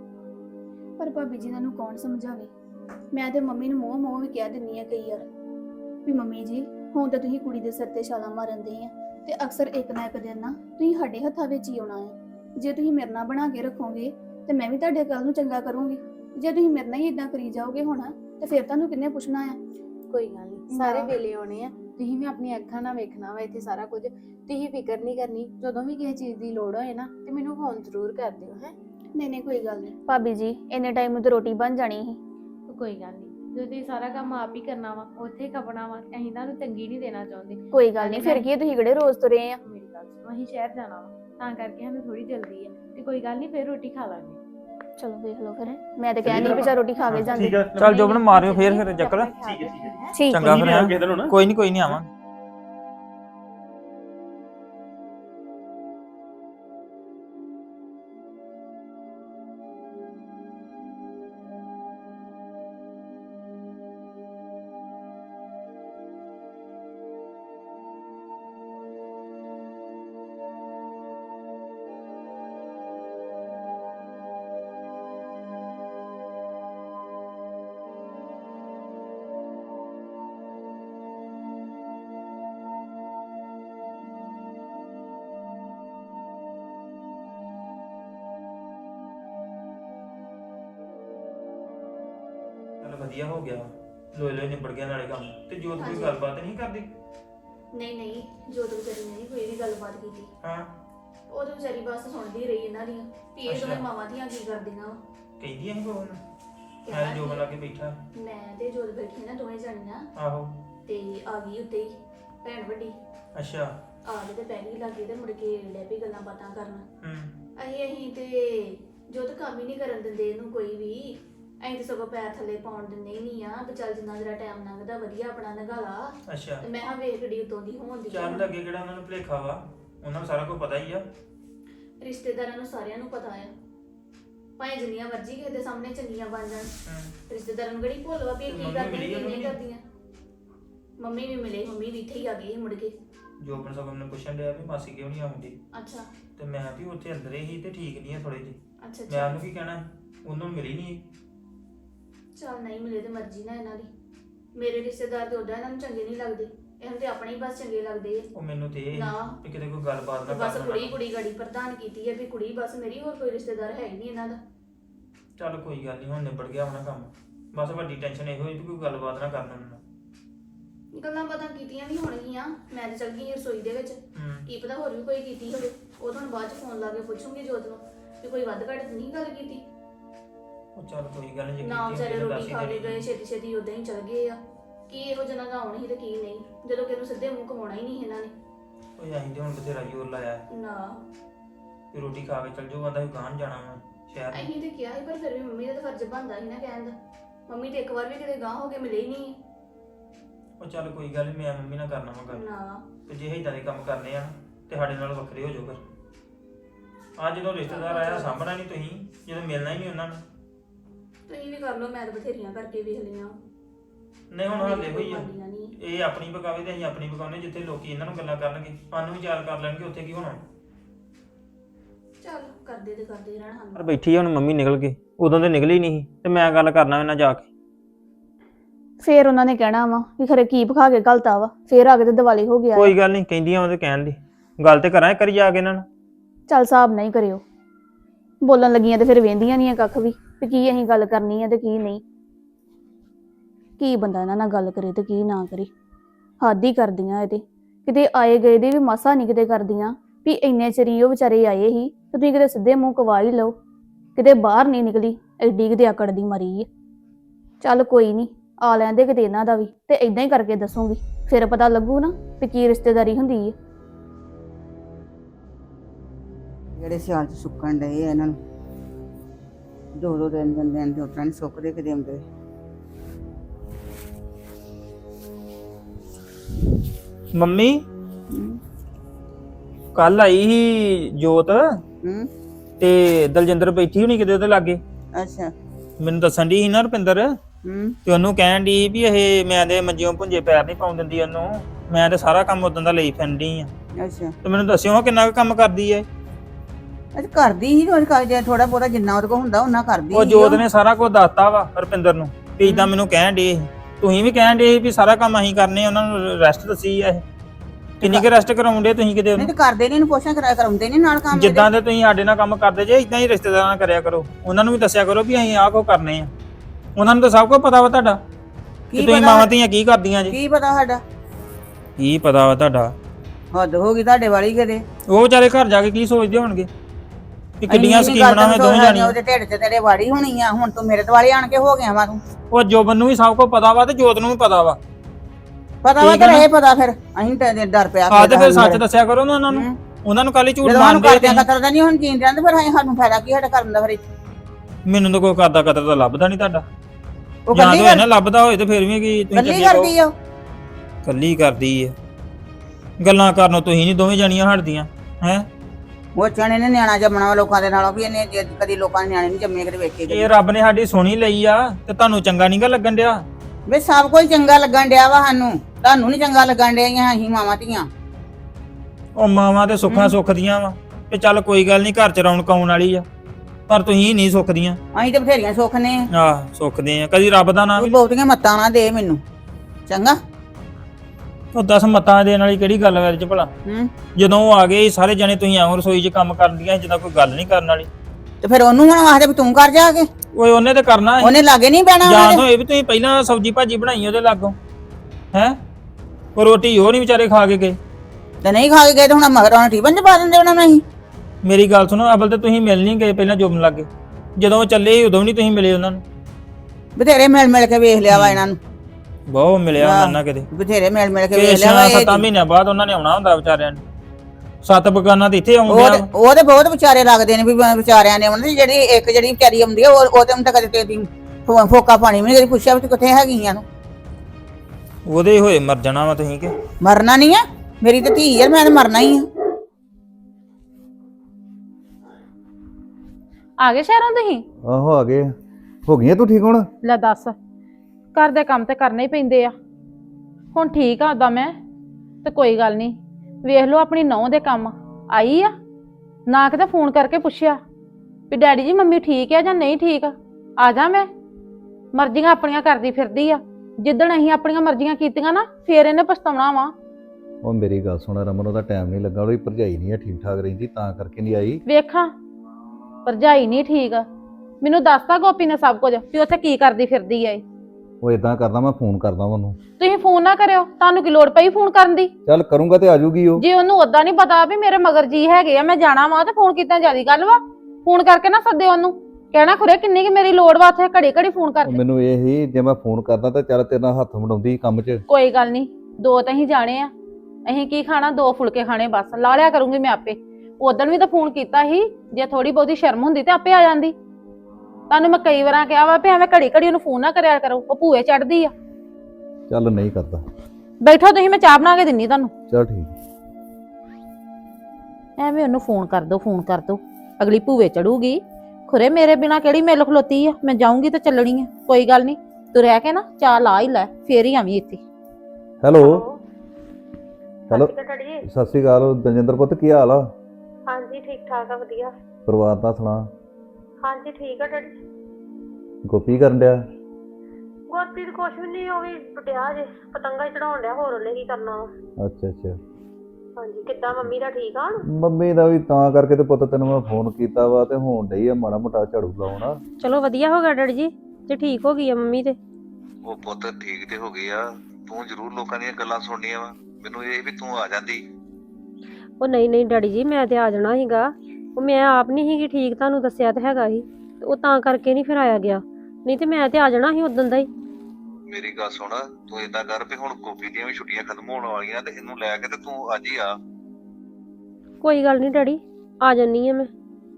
S6: ਪਰ ਭਾਬੀ ਜੀ ਇਹਨਾਂ ਨੂੰ ਕੌਣ ਸਮਝਾਵੇ। ਮੈਂ ਤੇ ਮੰਮੀ ਨੂੰ ਮੂੰਹ ਵੀ ਕਹਿ ਦਿੰਨੀ ਆ ਕਈ ਵਾਰ ਵੀ ਮੰਮੀ ਜੀ ਹੁਣ ਤਾਂ ਤੁਸੀਂ ਕੁੜੀ ਦੇ ਸਿਰ ਤੇ ਛਾਲਾਂ ਮਾਰਨ ਦੇ ਆ ਤੇ ਅਕਸਰ ਇੱਕ ਨਾ ਇੱਕ ਦਿਨ ਨਾ ਤੁਸੀਂ ਸਾਡੇ ਹੱਥਾਂ ਵਿੱਚ ਹੀ ਆਉਣਾ ਆ। ਜੇ ਤੁਸੀਂ ਮੇਰੇ ਨਾਲ ਬਣਾ ਕੇ ਰੱਖੋਗੇ ਤੇ ਮੈਂ ਵੀ ਤੁਹਾਡੇ ਕੱਲ ਨੂੰ ਚੰਗਾ ਕਰੂੰਗੀ, ਜੇ ਤੁਸੀਂ ਮੇਰੇ ਨਾਲ ਹੀ ਇਦਾਂ ਕਰੀ ਜਾਓਗੇ ਹੁਣ ਤੇ ਫਿਰ ਤੁਹਾਨੂੰ ਕਿੰਨੇ ਪੁੱਛਣਾ ਆ।
S7: ਕੋਈ ਗੱਲ ਨਹੀਂ, ਸਾਰੇ ਵੇਲੇ ਆਉਣੇ ਆ, ਤੁਸੀਂ ਵੀ ਆਪਣੀ ਅੱਖਾਂ ਨਾਲ ਵੇਖਣਾ ਵਾ ਇੱਥੇ ਸਾਰਾ ਕੁਝ। ਤੁਸੀਂ ਫਿਕਰ ਨਹੀਂ ਕਰਨੀ, ਜਦੋਂ ਵੀ ਕਿਸੇ ਚੀਜ਼ ਦੀ ਲੋੜ ਹੋਏ ਨਾ ਤੇ ਮੈਨੂੰ ਫੋਨ ਜ਼ਰੂਰ ਕਰ ਦਿਓ। ਹੈ
S6: ਨਹੀਂ ਕੋਈ ਗੱਲ ਨਹੀਂ ਭਾਬੀ ਜੀ, ਇੰਨੇ ਟਾਈਮ ਨੂੰ ਤਾਂ ਰੋਟੀ ਬਣ ਜਾਣੀ ਸੀ।
S7: ਕੋਈ ਗੱਲ ਨਹੀਂ, ਜਦੋਂ ਤੁਸੀਂ ਸਾਰਾ ਕੰਮ ਆਪ ਹੀ ਕਰਨਾ ਵਾ ਉੱਥੇ ਖਪਣਾ ਵਾ ਅਸੀਂ ਤੁਹਾਨੂੰ ਤੰਗੀ ਨਹੀਂ ਦੇਣਾ ਚਾਹੁੰਦੇ।
S6: ਕੋਈ ਗੱਲ ਨਹੀਂ, ਫਿਰ ਕੀ ਹੈ, ਤੁਸੀਂ ਕਿਹੜੇ ਰੋਜ਼ ਤੁਰੇ ਆ।
S7: ਮੇਰੀ ਗੱਲ ਸੁਣੋ, ਅਸੀਂ ਸ਼ਹਿਰ ਜਾਣਾ ਵਾ ਤਾਂ ਕਰਕੇ ਸਾਨੂੰ ਥੋੜੀ ਜਲਦੀ ਹੈ ਤੇ ਕੋਈ ਗੱਲ ਨਹੀਂ, ਫਿਰ ਰੋਟੀ ਖਾ ਲਾਂਗੇ।
S6: ਚਲੋ ਵੇਖ ਲਓ ਫਿਰ, ਮੈਂ ਤਾਂ ਕਹਿ ਨਹੀਂ ਵੀ ਚਾ ਰੋਟੀ ਖਾ ਕੇ ਜਾਂਦੇ।
S5: ਠੀਕ ਹੈ
S3: ਚੱਲ ਜੋਬਨ ਮਾਰਿਓ ਫਿਰ ਚੱਕਰ।
S5: ਠੀਕ ਹੈ, ਠੀਕ ਹੈ।
S6: ਠੀਕ
S3: ਚੰਗਾ ਫਿਰ ਹੈਂ।
S5: ਕਿਸੇ ਦਿਨ ਨਾ
S3: ਕੋਈ ਨਹੀਂ ਆਵਾਂਗੇ। ਚੱਲ ਵਧੀਆ ਹੋ ਗਿਆ, ਲੋਏ ਨਿਬੜ ਗਿਆ ਨਾਲੇ ਕੰਮ। ਤੇ ਜੋਤ ਕੋਈ ਗੱਲਬਾਤ ਨਹੀਂ ਕਰਦੀ?
S6: ਨਹੀਂ ਜੋਤ ਵਿਚਾਰੀ ਨੇ ਨਹੀਂ ਕੋਈ ਵੀ ਗੱਲਬਾਤ ਕੀਤੀ।
S3: ਹਾਂ
S6: ਉਹ ਤਾਂ ਵਿਚਾਰੀ ਬਸ ਸੁਣਦੀ ਰਹੀ ਇਹਨਾਂ ਦੀਆਂ ਵੀ ਇਹ ਦੋਵੇਂ
S3: ਅੱਛਾ।
S6: ਮਾਵਾਂ ਦੀਆਂ ਕੀ ਕਰਦੀਆਂ ਵਾ।
S3: ਕਹਿੰਦੀ ਅਸੀਂ ਕੋਲ
S6: ਕਹਿਣਾ
S3: ਮੈਂ ਜੋਬਨ
S6: ਕੀ-
S3: ਲਾ ਕੇ ਬੈਠਾ।
S6: ਮੈਂ ਤੇ ਜੋਤ ਬੈਠੇ ਨਾ ਦੋਵੇਂ ਜਾਣੀਆਂ
S3: ਆਹੋ
S6: ਤੇ ਆ ਗਈ ਉੱਤੇ ਹੀ ਭੈਣ ਵੱਡੀ
S3: ਅੱਛਾ।
S6: ਆ ਕੇ ਤੇ ਪੈ ਗਈ ਲੱਗੇ ਤੇ ਮੁੜ ਕੇ ਲੈ ਪਈ ਗੱਲਾਂ ਬਾਤਾਂ ਕਰਨ।
S3: ਹੂੰ
S6: ਅਸੀਂ ਤੇ ਜੋਤ ਕੰਮ ਹੀ ਨਹੀਂ ਕਰਨ ਦਿੰਦੇ ਇਹਨੂੰ ਕੋਈ ਵੀ। ਅਸੀਂ ਤੇ ਸਗੋਂ ਪੈਰ ਥੱਲੇ ਪਾਉਣ ਦਿੰਦੇ ਹੀ ਨਹੀਂ ਆ ਵੀ ਚੱਲ ਜਿੰਨਾ ਜਰਾ ਟਾਈਮ ਲੰਘਦਾ ਵਧੀਆ ਆਪਣਾ ਲੰਘਾਲਾ।
S3: ਅੱਛਾ।
S6: ਤੇ ਮੈਂ ਹਾਂ ਵੇਖ ਕਿੱਡੀ ਉਤੋਂ ਦੀ ਹੋਣ ਦੀ ਆ।
S3: ਚੱਲ ਲੱਗੇ ਕਿਹੜਾ ਉਹਨਾਂ ਨੂੰ ਭੁਲੇਖਾ ਵਾ, ਉਹਨਾਂ ਨੂੰ ਸਾਰਾ ਕੁਝ ਪਤਾ ਹੀ ਆ।
S6: ਰਿਸ਼ਤੇਦਾਰਾਂ ਨੂੰ ਸਾਰਿਆਂ ਨੂੰ ਪਤਾ ਆ, ਭਾਵੇਂ ਜਿੰਨੀਆਂ ਮਰਜ਼ੀ ਕਿਸੇ ਦੇ ਸਾਹਮਣੇ ਚੰਗੀਆਂ ਬਣ ਜਾਣ, ਰਿਸ਼ਤੇਦਾਰਾਂ ਨੂੰ ਕਿਹੜੀ ਭੁੱਲ ਵਾ ਵੀ ਇਹ ਕੀ
S3: ਮੰਮੀ
S6: ਕਰਦੀਆਂ
S3: ਮਿਲੀ
S6: ਕੀ ਨਹੀਂ
S3: ਉਹਨੂੰ?
S6: ਕਰਦੀਆਂ। ਮੰਮੀ ਵੀ ਮਿਲੇ, ਮੰਮੀ ਵੀ ਇੱਥੇ ਹੀ ਆ ਗਈ ਸੀ ਮੁੜ ਕੇ।
S3: ਜੋਬਨ ਸਗੋਂ ਮੈਨੂੰ ਪੁੱਛਣ ਡਿਆ ਵੀ ਮਾਸੀ ਕਿਉਂ ਨਹੀਂ ਆਉਂਦੀ,
S6: ਅੱਛਾ
S3: ਤੇ ਮੈਂ ਵੀ ਉੱਥੇ ਅੰਦਰੇ ਹੀ ਤੇ ਠੀਕ ਨਹੀਂ ਆ ਥੋੜੇ ਜਿਹੇ।
S6: ਅੱਛਾ
S3: ਮੈਂ
S6: ਅੱਛਾ
S3: ਉਹਨੂੰ ਕੀ ਕਹਿਣਾ, ਉਹਨੂੰ ਮਿਲੀ ਨਹੀਂ।
S6: ਚੱਲ ਨਹੀਂ ਮਿਲੇ ਤੇ ਮਰਜ਼ੀ ਨਾ ਇਹਨਾਂ ਦੀ। ਮੇਰੇ ਰਿਸ਼ਤੇਦਾਰ ਤੇ ਉਦਾਂ ਇਹਨਾਂ ਨੂੰ ਚੰਗੇ ਨਹੀਂ ਲੱਗਦੇ, ਇਹਨਾਂ ਤੇ ਆਪਣੇ ਹੀ ਬਸ ਚੰਗੇ ਲੱਗਦੇ ਆ।
S3: ਉਹ ਮੈਨੂੰ ਤੇ ਇਹ
S6: ਨਾ।
S3: ਵੀ ਕਿਤੇ ਕੋਈ ਗੱਲਬਾਤ ਨਾ
S6: ਬਸ
S3: ਕਰਨ
S6: ਕੁੜੀ
S3: ਲੱਗ।
S6: ਕੁੜੀ ਗੜੀ ਪ੍ਰਧਾਨ ਕੀਤੀ ਹੈ ਵੀ ਕੁੜੀ ਬਸ ਮੇਰੀ, ਹੋਰ ਕੋਈ ਰਿਸ਼ਤੇਦਾਰ ਹੈ ਹੀ ਨਹੀਂ ਇਹਨਾਂ ਦਾ।
S3: ਚੱਲ ਕੋਈ ਗੱਲ ਨਹੀਂ, ਹੁਣ ਨਿਬੜ ਗਿਆ ਆਪਣਾ ਕੰਮ। ਬਸ ਵੱਡੀ ਟੈਨਸ਼ਨ ਇਹੋ ਹੀ ਵੀ ਕੋਈ ਗੱਲਬਾਤ ਨਾ ਕਰਨ ਉਹਨਾਂ
S6: ਗੱਲਾਂ ਬਾਤਾਂ ਕੀਤੀਆਂ ਵੀ ਹੋਣਗੀਆਂ, ਮੈਂ ਤੇ ਚੱਲ ਗਈ ਰਸੋਈ ਦੇ ਵਿੱਚ।
S3: ਹੂੰ।
S6: ਕੀ ਪਤਾ ਹੋਰ ਵੀ ਕੋਈ ਕੀਤੀ ਹੋਵੇ, ਉਹ ਤੁਹਾਨੂੰ ਬਾਅਦ ਚ ਫੋਨ ਲਾ ਕੇ ਪੁੱਛੂੰਗੀ ਜੋਤ ਨੂੰ ਵੀ ਕੋਈ ਵੱਧ ਘੱਟ ਨਹੀਂ ਗੱਲ ਕੀਤੀ।
S3: ਉਹ ਚੱਲ ਕੋਈ ਗੱਲ ਨਹੀਂ,
S6: ਨਾ ਵਿਚਾਰੇ ਰੋਟੀ ਖਾ ਕੇ ਗਏ ਛੇਤੀ ਛੇਤੀ ਉਦਾਂ ਹੀ ਚਲ ਗਏ ਆ। ਕੀ ਇਹੋ ਜਿਹਨਾਂ ਦਾ ਆਉਣ ਹੀ ਤੇ ਕੀ ਨਹੀਂ, ਜਦੋਂ ਕਿ ਇਹਨੂੰ ਸਿੱਧੇ ਮੂੰਹ ਕਮਾਉਣਾ ਹੀ ਨਹੀਂ ਇਹਨਾਂ ਨੇ।
S3: ਉਹ ਅਸੀਂ ਤੇ ਹੁਣ ਬਥੇਰਾ ਜ਼ੋਰ ਲਾਇਆ
S6: ਨਾ
S3: ਕਿ ਰੋਟੀ ਖਾ ਕੇ ਚੱਲ ਜਾਓ, ਆਂਦਾ ਵੀ ਗਾਂਹ ਜਾਣਾ ਵਾ ਸ਼ਹਿਰ ਨੂੰ।
S6: ਅਸੀਂ ਤੇ ਕਿਹਾ ਸੀ, ਪਰ ਫਿਰ ਵੀ ਮੰਮੀ ਦਾ ਤਾਂ ਫਰਜ਼ ਬਣਦਾ ਸੀ ਨਾ ਕਹਿਣ ਦਾ। ਮੰਮੀ ਤੇ ਇੱਕ ਵਾਰ ਵੀ ਕਿਤੇ ਗਾਂਹ ਹੋ ਕੇ ਮਿਲੇ ਹੀ ਨਹੀਂ।
S3: ਉਹ ਚੱਲ ਕੋਈ ਗੱਲ ਨੀ, ਮੈਂ ਮੰਮੀ ਨਾਲ ਕਰਨਾ ਵਾ ਗੱਲ।
S6: ਨਾ
S3: ਤੇ ਜੇ ਇਦਾਂ ਦੇ ਕੰਮ ਕਰਨੇ ਆ ਨਾ ਤੇ ਸਾਡੇ ਨਾਲ ਵੱਖਰੇ ਹੋ ਜਾਓ ਫਿਰ। ਆ ਜਦੋਂ ਰਿਸ਼ਤੇਦਾਰ ਆਇਆ ਸਾਂਭਣਾ ਨਹੀਂ ਤੁਸੀਂ, ਜਦੋਂ ਮਿਲਣਾ ਹੀ ਨਹੀਂ ਉਹਨਾਂ ਨੂੰ।
S6: ਤੁਸੀਂ ਵੀ ਕਰ ਲਓ, ਮੈਂ ਤਾਂ ਬਥੇਰੀਆਂ ਕਰਕੇ ਵੇਖ ਲਈਆਂ।
S3: ਨਹੀਂ ਹੁਣ ਹਾਲੇ ਹੋਈ ਆ,
S6: ਬਣਦੀਆਂ ਨਹੀਂ।
S3: ਇਹ ਆਪਣੀ ਪਕਾਵੇ ਤੇ ਅਸੀਂ ਆਪਣੀ ਪਕਾਉਣੇ। ਜਿੱਥੇ ਲੋਕੀ ਇਹਨਾਂ ਨੂੰ ਗੱਲਾਂ ਕਰਨਗੇ ਸਾਨੂੰ ਵੀ ਯਾਦ ਕਰ ਲੈਣਗੇ, ਉੱਥੇ ਕੀ ਹੋਣਾ।
S6: ਚੱਲ ਕਰਦੇ ਤੇ ਕਰਦੇ ਰਹਿਣਾ
S3: ਪਰ
S6: ਸਾਨੂੰ।
S3: ਬੈਠੀ ਆ ਹੁਣ ਮੰਮੀ ਨਿਕਲ ਕੇ, ਉਦੋਂ ਤੇ ਨਿਕਲੀ ਨਹੀਂ ਤੇ ਮੈਂ ਗੱਲ ਕਰਨਾ ਇਹਨਾਂ ਜਾ ਕੇ।
S6: ਫੇਰ ਉਹਨਾਂ ਨੇ ਕਹਿਣਾ ਵਾ ਵੀ ਖਰੇ ਕੀ ਭਖਾ ਕੇ ਗਲਤਾ ਵਾ, ਫੇਰ ਆ ਕੇ ਤੇ ਦਿਵਾਲੀ ਹੋ ਗਿਆ।
S3: ਕੋਈ ਗੱਲ ਨਹੀਂ, ਕਹਿੰਦੀਆਂ ਉਹਦੇ ਕਹਿਣ ਦੀ ਗੱਲ ਤੇ ਕਰਾਂ ਕਰੀ ਜਾ ਕੇ ਇਹਨਾਂ ਨਾਲ।
S6: ਚੱਲ ਹਿਸਾਬ ਨਹੀਂ ਕਰਿਓ, ਬੋਲਣ ਲੱਗੀਆਂ ਤੇ ਫਿਰ ਵੇਂਦੀਆਂ ਨਹੀਂ ਆ ਕੱਖ ਵੀ ਕੀ ਅਸੀਂ ਗੱਲ ਕਰਨੀ ਆ ਤੇ ਕੀ ਨਹੀਂ। ਕੀ ਬੰਦਾ ਇਹਨਾਂ ਨਾਲ ਗੱਲ ਕਰੇ ਤੇ ਕੀ ਨਾ ਕਰੇ, ਹੱਦ ਹੀ ਕਰਦੀਆਂ ਇਹ ਤੇ। ਕਿਤੇ ਆਏ ਗਏ ਦੇ ਵੀ ਮਾਸਾ ਨਹੀਂ ਕਿਤੇ ਕਰਦੀਆਂ ਵੀ ਇੰਨੇ ਚਿਰ ਉਹ ਵਿਚਾਰੇ ਆਏ ਸੀ ਤੇ ਤੁਸੀਂ ਕਿਤੇ ਸਿੱਧੇ ਮੂੰਹ ਕਵਾ ਹੀ ਲਓ, ਕਿਤੇ ਬਾਹਰ ਨਹੀਂ ਨਿਕਲੀ, ਐਡੀ ਕਿਤੇ ਆਕੜ ਦੀ ਮਰੀ ਹੈ। ਚੱਲ ਕੋਈ ਨਹੀਂ, ਆ ਲੈਂਦੇ ਕਿਤੇ ਇਹਨਾਂ ਦਾ ਵੀ, ਤੇ ਇਦਾਂ ਹੀ ਕਰਕੇ ਦੱਸੂਗੀ, ਫਿਰ ਪਤਾ ਲੱਗੂ ਨਾ ਵੀ ਕੀ ਰਿਸ਼ਤੇਦਾਰੀ ਹੁੰਦੀ ਹੈ।
S4: ਜਿਹੜੇ ਸਿਆਲ ਚ ਸੁੱਕਣ ਡਏ ਆ ਇਹਨਾਂ ਨੂੰ, ਦੋ ਦੋ ਦਿਨ ਤੇ ਉਤਰਾਂ ਨਹੀਂ ਸੁੱਕਦੇ ਕਿਤੇ ਆਉਂਦੇ।
S3: ਮੰਮੀ ਕੱਲ ਆਈ ਸੀ ਜੋਤ
S4: ਹੂੰ
S3: ਤੇ ਦਲਜਿੰਦਰ ਬੈਠੀ ਹੋਣੀ ਕਿਤੇ ਉਹਦੇ ਲਾਗੇ।
S4: ਅੱਛਾ।
S3: ਮੈਨੂੰ ਦੱਸਣ ਦੀ ਸੀ ਨਾ ਰੁਪਿੰਦਰ,
S4: ਹੂੰ
S3: ਤੇ ਉਹਨੂੰ ਕਹਿਣ ਦੀ ਵੀ ਇਹ ਮੈਂ ਦੇ ਮੰਜਿਓਂ ਭੁੰਜੇ ਪੈਰ ਨਹੀਂ ਪਾਉਣ ਦਿੰਦੀ ਉਹਨੂੰ। ਮੈਂ ਤੇ ਸਾਰਾ ਕੰਮ ਉਦੋਂ ਦਾ ਲਈ ਫਿਰਦੀ ਆ।
S4: ਅੱਛਾ।
S3: ਤੇ ਮੈਨੂੰ ਦੱਸਿਓ ਕਿੰਨਾ ਕੁ ਕੰਮ ਕਰਦੀ ਐ।
S4: ਅੱਛਾ ਕਰਦੀ ਸੀ ਉਹ ਜੇ ਥੋੜਾ ਬਹੁਤਾ ਜਿੰਨਾ ਉਹਦੇ ਕੋਲ ਹੁੰਦਾ ਉਹਨਾਂ ਕਰਦੀ
S3: ਉਹ
S4: ਸੀ
S3: ਜੋਤ ਨੇ ਸਾਰਾ ਕੁਝ ਦੱਸਤਾ ਵਾ ਰੁਪਿੰਦਰ ਨੂੰ ਵੀ ਇਦਾਂ ਮੈਨੂੰ ਕਹਿਣ ਦੇ। ਤੁਸੀਂ ਵੀ ਕਹਿਣ ਦੇ ਵੀ ਸਾਰਾ ਕੰਮ ਅਸੀਂ ਕਰਨੇ, ਉਹਨਾਂ ਨੂੰ ਰੈਸਟ ਦੱਸੀ ਆ ਇਹ। ਕਿੰਨੀ ਕੁ ਰੈਸਟ ਕਰਾਉਂਦੇ ਤੁਸੀਂ ਕਿਤੇ
S4: ਨਹੀਂ
S3: ਉਹਨੂੰ?
S4: ਤੇ ਕਰਦੇ ਨਹੀਂ, ਇਹਨੂੰ ਪੁੱਛਾਂ ਕਰਾਉਂਦੇ ਨਹੀਂ ਨਾਲ ਕੰਮ
S3: ਜਿੱਦਾਂ ਦੇ ਤੁਸੀਂ ਸਾਡੇ ਨਾਲ ਕੰਮ ਕਰਦੇ ਜੇ ਇਦਾਂ ਹੀ ਰਿਸ਼ਤੇਦਾਰਾਂ ਨਾਲ ਕਰਿਆ ਕਰੋ। ਉਹਨਾਂ ਨੂੰ ਵੀ ਦੱਸਿਆ ਕਰੋ ਵੀ ਅਸੀਂ ਆਹ ਕੋ ਕਰਨੇ ਆ। ਉਹਨਾਂ ਨੂੰ ਤਾਂ ਸਭ ਕੁਝ ਪਤਾ ਵਾ ਤੁਹਾਡਾ ਕਿ ਤੁਸੀਂ ਮਾਵਾਂ ਧੀਆਂ ਕੀ ਕਰਦੀਆਂ ਜੀ।
S4: ਕੀ ਪਤਾ ਸਾਡਾ,
S3: ਕੀ ਪਤਾ ਵਾ ਤੁਹਾਡਾ?
S4: ਹੱਦ ਹੋ ਗਈ ਤੁਹਾਡੇ ਵਾਲੀ ਕਿਤੇ।
S3: ਉਹ ਵਿਚਾਰੇ ਘਰ ਜਾ ਕੇ ਕੀ ਸੋਚਦੇ ਹੋਣਗੇ? ਕਿ ਕਿੱਡੀਆਂ ਸਕੀਮਾਂ ਹੈ ਦੋਵੇਂ ਜਾਣੀਆਂ।
S4: ਉਹਦੇ ਢਿੱਡ 'ਚ ਤੇਰੇ ਵਾੜੀ ਹੋਣੀ ਆ, ਹੁਣ ਤੂੰ ਮੇਰੇ ਦੁਆਲੇ ਆਣ ਕੇ ਹੋ ਗਿਆ ਵਾ ਤੂੰ।
S3: ਉਹ ਜੋਬਨ ਨੂੰ ਵੀ ਸਭ ਕੁਝ ਪਤਾ ਵਾ ਤੇ ਜੋਤ ਨੂੰ ਵੀ ਪਤਾ ਵਾ।
S4: ਪਤਾ ਵਾ
S3: ਠੀਕ ਆ
S4: ਤੇ
S3: ਨਾ?
S4: ਇਹ ਪਤਾ ਫਿਰ ਅਸੀਂ ਤੇ ਡਰ ਪਿਆ
S3: ਆ ਤੇ ਫਿਰ ਸੱਚ ਦੱਸਿਆ ਕਰੋ ਨਾ ਉਹਨਾਂ ਨੂੰ। ਉਹਨਾਂ ਨੂੰ ਕੱਲ ਹੀ ਝੂਠ
S4: ਜਦੋਂ ਸਾਨੂੰ
S3: ਮਾਰਦੇ
S4: ਕਰਦਿਆਂ
S3: ਤੁਸੀਂ।
S4: ਕਤਰ ਦਾ ਨਹੀਂ ਹੁਣ ਜੀਣ ਦਿਆਂ ਤੇ ਫਿਰ ਅਸੀਂ ਸਾਨੂੰ ਫਾਇਦਾ ਕੀ ਸਾਡਾ ਕਰਨ ਦਾ ਫਿਰ ਇੱਥੇ?
S3: ਮੈਨੂੰ ਤਾਂ ਕੋਈ ਕਰਦਾ ਕਤਰ ਤਾਂ ਲੱਭਦਾ ਨਹੀਂ ਤੁਹਾਡਾ।
S4: ਉਹ
S3: ਜਾਂ
S4: ਕੱਲੀ
S3: ਤਾਂ ਨਾ ਲੱਭਦਾ ਹੋਏ ਤੇ ਫਿਰ ਵੀ ਕੀ ਤੁਸੀਂ
S4: ਕੱਲੀ
S3: ਚੰਗੇ
S4: ਕਰਦੀ ਆ।
S3: ਕੱਲੀ ਕਰਦੀ ਏ। ਗੱਲਾਂ ਕਰਨੋਂ ਤੁਸੀਂ ਨਹੀਂ ਦੋਵੇਂ ਜਾਣੀਆਂ ਹਟਦੀਆਂ ਹੈ।
S4: ਉਹ ਚਣੇ ਨੇ ਨਿਆਣਾ ਜੰਮਣਾ ਵਾ ਲੋਕਾਂ ਦੇ ਨਾਲੋਂ ਵੀ ਇਹਨੇ ਕਦੀ ਲੋਕਾਂ ਦੇ ਨਿਆਣੇ ਨਹੀਂ ਜੰਮੇ ਕਦੇ ਵੇਖੇ ਕਦੀ।
S3: ਇਹ ਰੱਬ ਨੇ ਸਾਡੀ ਸੁਣੀ ਲਈ ਆ ਤੇ ਤੁਹਾਨੂੰ ਚੰਗਾ ਨਹੀਂਗਾ ਲੱਗਣ ਡਿਆ।
S4: ਵੇ ਸਭ ਕੁਝ ਚੰਗਾ ਲੱਗਣ ਡਿਆ ਵਾ ਸਾਨੂੰ, ਤੁਹਾਨੂੰ ਨਹੀਂ ਚੰਗਾ ਲੱਗਣ ਡਿਆ ਅਸੀਂ ਮਾਵਾਂ ਧੀਆਂ।
S3: ਉਹ ਮਾਵਾਂ ਤੇ ਸੁੱਖਾਂ ਸੁੱਖ ਦੀਆਂ ਵਾ ਤੇ ਚੱਲ ਕੋਈ ਗੱਲ ਨਹੀਂ, ਘਰ ਚ ਰੌਣਕ ਆਉਣ ਵਾਲੀ ਆ। ਪਰ ਤੁਸੀਂ ਨਹੀਂ ਸੁੱਖਦੀਆਂ।
S4: ਅਸੀਂ ਤੇ ਬਥੇਰੀਆਂ ਸੁੱਖ ਨੇ।
S3: ਆਹ ਸੁੱਖਦੇ ਆ, ਕਦੀ ਰੱਬ ਦਾ ਨਾਮ
S4: ਤੂੰ
S3: ਵੀ
S4: ਬਹੁਤੀਆਂ ਮੱਤਾਂ ਨਾ ਦੇ ਮੈਨੂੰ ਚੰਗਾ।
S3: ਉਹ 10 ਮੱਤਾਂ ਦੇਣ ਵਾਲੀ ਕਿਹੜੀ ਗੱਲ ਵੈਰ ਚ ਭਲਾ। ਜਦੋਂ ਉਹ ਆ ਗਏ ਸਾਰੇ ਜਣੇ ਤੁਸੀਂ ਆਉਂ ਰਸੋਈ 'ਚ ਕੰਮ ਕਰਨ ਦੀਆਂ ਜਿੱਦਾਂ ਕੋਈ ਗੱਲ ਨਹੀਂ ਕਰਨ ਵਾਲੀ।
S4: ਤੇ ਫਿਰ ਉਹਨੂੰ ਹੁਣ ਆਖਦੇ ਵੀ ਤੂੰ ਕਰ ਜਾ ਕੇ।
S3: ਓਏ ਉਹਨੇ ਤੇ ਕਰਨਾ
S4: ਉਹਨੇ ਲਾਗੇ ਨਹੀਂ ਪੈਣਾ
S3: ਜਾਂ
S4: ਉਹਨਾਂ
S3: ਤਾਂ ਇਹ ਵੀ ਤੁਸੀਂ ਪਹਿਲਾਂ ਸਬਜ਼ੀ ਭਾਜੀ ਬਣਾਈ ਉਹਦੇ ਲਾਗੋਂ ਹੈ। ਉਹ ਰੋਟੀ ਉਹ ਨਹੀਂ ਵਿਚਾਰੇ ਖਾ ਕੇ ਗਏ।
S4: ਦੇ ਤੇ ਨਹੀਂ ਖਾ ਕੇ ਗਏ ਤੇ ਹੁਣ ਮਗਰ ਉਹਨਾਂ ਟੀਬਨ ਚ ਪਾ ਦਿੰਦੇ ਉਹਨਾਂ ਨੂੰ ਅਸੀਂ।
S3: ਮੇਰੀ ਗੱਲ ਸੁਣੋ, ਅਬਲ ਤੇ ਤੁਸੀਂ ਮਿਲ ਨਹੀਂ ਗਏ ਪਹਿਲਾਂ ਜੁਬਨ ਲੱਗੇ, ਜਦੋਂ ਉਹ ਚੱਲੇ ਸੀ ਉਦੋਂ ਨਹੀਂ ਤੁਸੀਂ ਮਿਲੇ ਉਹਨਾਂ ਨੂੰ।
S4: ਬਥੇਰੇ ਮਿਲ ਮਿਲ ਕੇ ਵੇਖ ਲਿਆ ਵਾ ਇਹਨਾਂ ਨੂੰ।
S3: ਬਹੁਤ ਮਿਲਿਆ ਉਹਨਾਂ ਨਾਲ ਕਿਤੇ।
S4: ਬਥੇਰੇ ਮਿਲ ਮਿਲ ਕੇ ਵੇਖ ਲਿਆ ਵਾ।
S3: 6-7 ਮਹੀਨਿਆਂ ਬਾਅਦ ਉਹਨਾਂ ਨੇ ਆਉਣਾ ਹੁੰਦਾ ਵਿਚਾਰਿਆਂ ਨੇ। 7 ਬਗਾਨਾ ਤੇ ਇੱਥੇ ਆਉਂਦੇ ਆ।
S4: ਉਹ ਤੇ ਬਹੁਤ ਵਿਚਾਰੇ ਲੱਗਦੇ ਨੇ ਵੀ ਵਿਚਾਰਿਆਂ ਨੇ ਉਹਨਾਂ ਦੀ ਜਿਹੜੀ ਵਿਚਾਰੀ ਆਉਂਦੀ ਆ ਉਹ ਤੇ ਹੁਣ ਤੱਕ ਕਦੇ ਫੋਕਾ ਪਾਣੀ ਵੀ ਨਹੀਂ ਕਦੀ ਪੁੱਛਿਆ ਵੀ ਤੂੰ ਕਿੱਥੇ ਹੈਗੀਆਂ ਨੂੰ।
S3: ਉਹਦੇ ਹੋਏ ਮਰ ਜਾਣਾ ਵਾ ਤੁਸੀਂ ਕਿ।
S4: ਮਰਨਾ ਨਹੀਂ ਆ, ਮੇਰੀ ਤੇ ਧੀ ਆ, ਮੈਂ ਤੇ ਮਰਨਾ ਹੀ ਆ।
S1: ਆ ਗਏ ਸ਼ਹਿਰੋਂ ਤੁਸੀਂ?
S2: ਆਹੋ ਆ ਗਏ। ਹੋ ਗਈਆਂ ਤੂੰ ਠੀਕ ਹੁਣ?
S1: ਲੈ ਦੱਸ, ਘਰ ਦੇ ਕੰਮ ਤੇ ਕਰਨੇ ਹੀ ਪੈਂਦੇ ਆ। ਹੁਣ ਠੀਕ ਆ ਉਦਾਂ ਮੈਂ ਤੇ ਕੋਈ ਗੱਲ ਨਹੀਂ। ਵੇਖ ਲਓ ਆਪਣੀ ਨੌਂ ਦੇ ਕੰਮ ਆਈ ਆ, ਨਾ ਕਿਤੇ ਫੋਨ ਕਰਕੇ ਪੁੱਛਿਆ ਵੀ ਡੈਡੀ ਜੀ ਮੰਮੀ ਠੀਕ ਆ ਜਾਂ ਨਹੀਂ ਠੀਕ ਆ ਜਾ। ਮੈਂ ਮਰਜ਼ੀਆਂ ਆਪਣੀਆਂ ਕਰਦੀ ਫਿਰਦੀ ਆ। ਜਿੱਦਣ ਅਸੀਂ ਆਪਣੀਆਂ ਮਰਜ਼ੀਆਂ ਕੀਤੀਆਂ ਨਾ ਫੇਰ ਇਹਨੇ ਪਛਤਾਉਣਾ ਵਾ।
S2: ਉਹ ਮੇਰੀ ਗੱਲ ਸੁਣ ਰਮਨ, ਉਹਦਾ ਟਾਈਮ ਨਹੀਂ ਲੱਗਾ, ਉਹਦੀ ਭਰਜਾਈ ਨਹੀਂ ਆ ਠੀਕ ਠਾਕ ਰਹਿੰਦੀ ਤਾਂ ਕਰਕੇ ਨਹੀਂ ਆਈ।
S1: ਵੇਖਾਂ ਭਰਜਾਈ ਨਹੀਂ ਠੀਕ, ਮੈਨੂੰ ਦੱਸਤਾ ਗੋਪੀ ਨੇ ਸਭ ਕੁਝ ਵੀ ਉੱਥੇ ਕੀ ਕਰਦੀ ਫਿਰਦੀ ਆ ਇਹ।
S2: ਉਹ ਇਦਾਂ ਕਰਦਾ, ਮੈਂ ਫੋਨ ਕਰਦਾ ਉਹਨੂੰ।
S1: ਤੁਸੀਂ ਫੋਨ ਨਾ ਕਰਿਓ, ਤੁਹਾਨੂੰ ਕੀ ਲੋੜ ਪਈ ਫੋਨ ਕਰਨ ਦੀ?
S2: ਚੱਲ ਕਰੂੰਗਾ ਤੇ ਆ ਜਾਊਗੀ ਉਹ।
S1: ਜੇ ਉਹਨੂੰ ਉਦਾਂ ਨਹੀਂ ਪਤਾ ਵੀ ਮੇਰੇ ਮਗਰ ਜੀ ਹੈਗੇ ਆ ਮੈਂ ਜਾਣਾ ਵਾ ਤੇ ਫੋਨ ਕੀਤਾ ਜਿਆਦੀ ਗੱਲ ਵਾ। ਫੋਨ ਕਰਕੇ ਨਾ ਸੱਦੇ ਉਹਨੂੰ, ਕਹਿਣਾ ਖੁਰੇ ਕਿੰਨੀ ਕਿ ਮੇਰੀ ਲੋੜ ਵਾ ਉੱਥੇ ਘੜੀ ਘੜੀ ਫੋਨ
S2: ਉਹ
S1: ਕਰਕੇ।
S2: ਮੈਨੂੰ ਇਹ ਹੀ ਜੇ ਮੈਂ ਫੋਨ ਕਰਦਾ ਤਾਂ ਚੱਲ ਤੇਰੇ ਨਾਲ ਹੱਥ ਵਡਾਉਂਦੀ ਕੰਮ 'ਚ।
S1: ਕੋਈ ਗੱਲ ਨਹੀਂ, ਦੋ ਤਾਂ ਅਸੀਂ ਜਾਣੇ ਆ, ਅਸੀਂ ਕੀ ਖਾਣਾ, 2 ਫੁਲਕੇ ਖਾਣੇ ਬਸ, ਲਾ ਲਿਆ ਕਰੂੰਗੀ ਮੈਂ ਆਪੇ। ਉਦੋਂ ਵੀ ਤਾਂ ਫੋਨ ਕੀਤਾ ਸੀ, ਜੇ ਥੋੜੀ ਬਹੁਤੀ ਸ਼ਰਮ ਹੁੰਦੀ ਤੇ ਆਪੇ ਆ ਜਾਂਦੀ। ਤੁਹਾਨੂੰ ਮੈਂ ਕਈ ਵਾਰਾਂ ਕਿਹਾ ਵਾ ਵੀ ਐਵੇਂ ਘੜੀ ਘੜੀ ਉਹਨੂੰ ਫੋਨ ਨਾ ਕਰਿਆ ਕਰੋ, ਉਹ ਭੂਏ ਚੜਦੀ ਆ।
S2: ਚੱਲ ਨਹੀਂ ਕਰਦਾ।
S1: ਬੈਠੋ ਤੁਸੀਂ, ਮੈਂ ਚਾਹ ਬਣਾ ਕੇ ਦਿੰਨੀ ਤੁਹਾਨੂੰ।
S2: ਚੱਲ ਠੀਕ।
S1: ਐਵੇਂ ਉਹਨੂੰ ਫੋਨ ਕਰ ਦੋ, ਅਗਲੀ ਭੂਏ ਚੜੂਗੀ। ਖੁਰੇ ਮੇਰੇ ਬਿਨਾ ਕਿਹੜੀ ਮਿਲ ਖਲੋਤੀ ਆ, ਮੈਂ ਜਾਊਂਗੀ ਤਾਂ ਚੱਲਣੀ ਆ। ਕੋਈ ਗੱਲ ਨਹੀਂ, ਤੂੰ ਰਹਿ ਕੇ ਨਾ ਚਾਹ ਲਾ ਹੀ ਲੈ, ਫੇਰ ਹੀ ਆਵੀਂ ਇੱਥੇ।
S2: ਹੈਲੋ ਹੈਲੋ, ਸਤਿ ਸ਼੍ਰੀ ਅਕਾਲ ਦਲਜਿੰਦਰ ਪੁੱਤ, ਕੀ ਹਾਲ ਆ?
S8: ਹਾਂਜੀ ਠੀਕ ਠਾਕ ਆ, ਵਧੀਆ।
S2: ਪਰਿਵਾਰ ਦਾ ਸੁਣਾ?
S8: ਹਾਂਜੀ ਠੀਕ ਆ ਡੈਡੀ।
S2: ਗੋਪੀ ਕਰਨ ਡਿਆ?
S8: ਗੁਰਪ੍ਰੀਤ ਕੁਛ ਵੀ ਨਹੀਂ, ਉਹ ਵੀ ਪਟਿਆ ਜੇ ਪਤੰਗਾ ਹੀ ਚੜਾਉਣ ਡਿਆ, ਹੋਰ ਉਹਨੇ ਕੀ ਕਰਨਾ ਵਾ।
S2: ਅੱਛਾ ਅੱਛਾ।
S8: ਹਾਂਜੀ, ਕਿੱਦਾਂ ਮੰਮੀ ਦਾ ਠੀਕ ਆ?
S2: ਮੰਮੀ ਦਾ ਵੀ ਤਾਂ ਕਰਕੇ ਤੇ ਪੁੱਤ ਤੈਨੂੰ ਮੈਂ ਫੋਨ ਕੀਤਾ ਵਾ, ਤੇ ਹੋਣ ਡਈ ਆ ਮਾੜਾ ਮੋਟਾ ਝਾੜੂ ਲਾਉਣਾ।
S8: ਚਲੋ ਵਧੀਆ ਹੋ ਗਿਆ ਡੈਡੀ ਜੀ, ਜੇ ਠੀਕ ਹੋ ਗਈ ਆ ਮੰਮੀ ਤੇ।
S9: ਉਹ ਪੁੱਤ ਠੀਕ ਤੇ ਹੋ ਗਈ ਆ, ਤੂੰ ਜ਼ਰੂਰ ਲੋਕਾਂ ਦੀਆਂ ਗੱਲਾਂ ਸੁਣਨੀਆਂ ਵਾ। ਮੈਨੂੰ ਇਹ ਵੀ ਤੂੰ ਆ ਜਾਂਦੀ।
S8: ਉਹ ਨਹੀਂ ਡੈਡੀ ਜੀ, ਮੈਂ ਤੇ ਆ ਜਾਣਾ ਸੀਗਾ, ਉਹ ਮੈਂ ਆਪ ਨਹੀਂ ਸੀਗੀ ਠੀਕ, ਤੁਹਾਨੂੰ ਦੱਸਿਆ ਤਾਂ ਹੈਗਾ ਸੀ, ਉਹ ਤਾਂ ਕਰਕੇ ਨਹੀਂ ਫਿਰ ਆਇਆ ਗਿਆ, ਨਹੀਂ ਤੇ ਮੈਂ ਤੇ ਆ ਜਾਣਾ ਸੀ ਉਦੋਂ ਦਾ ਹੀ।
S9: ਮੇਰੀ ਗੱਲ ਸੁਣ, ਤੂੰ ਏਦਾਂ ਕਰ ਵੀ ਹੁਣ ਗੋਪੀ ਦੀਆਂ ਵੀ ਛੁੱਟੀਆਂ ਖਤਮ ਹੋਣ ਵਾਲੀਆਂ, ਤੇ ਇਹਨੂੰ ਲੈ ਕੇ ਤੇ ਤੂੰ ਅੱਜ ਹੀ ਆ।
S8: ਕੋਈ ਗੱਲ ਨਹੀਂ ਡੈਡੀ, ਆ ਜਾਨੀ ਆ ਮੈਂ।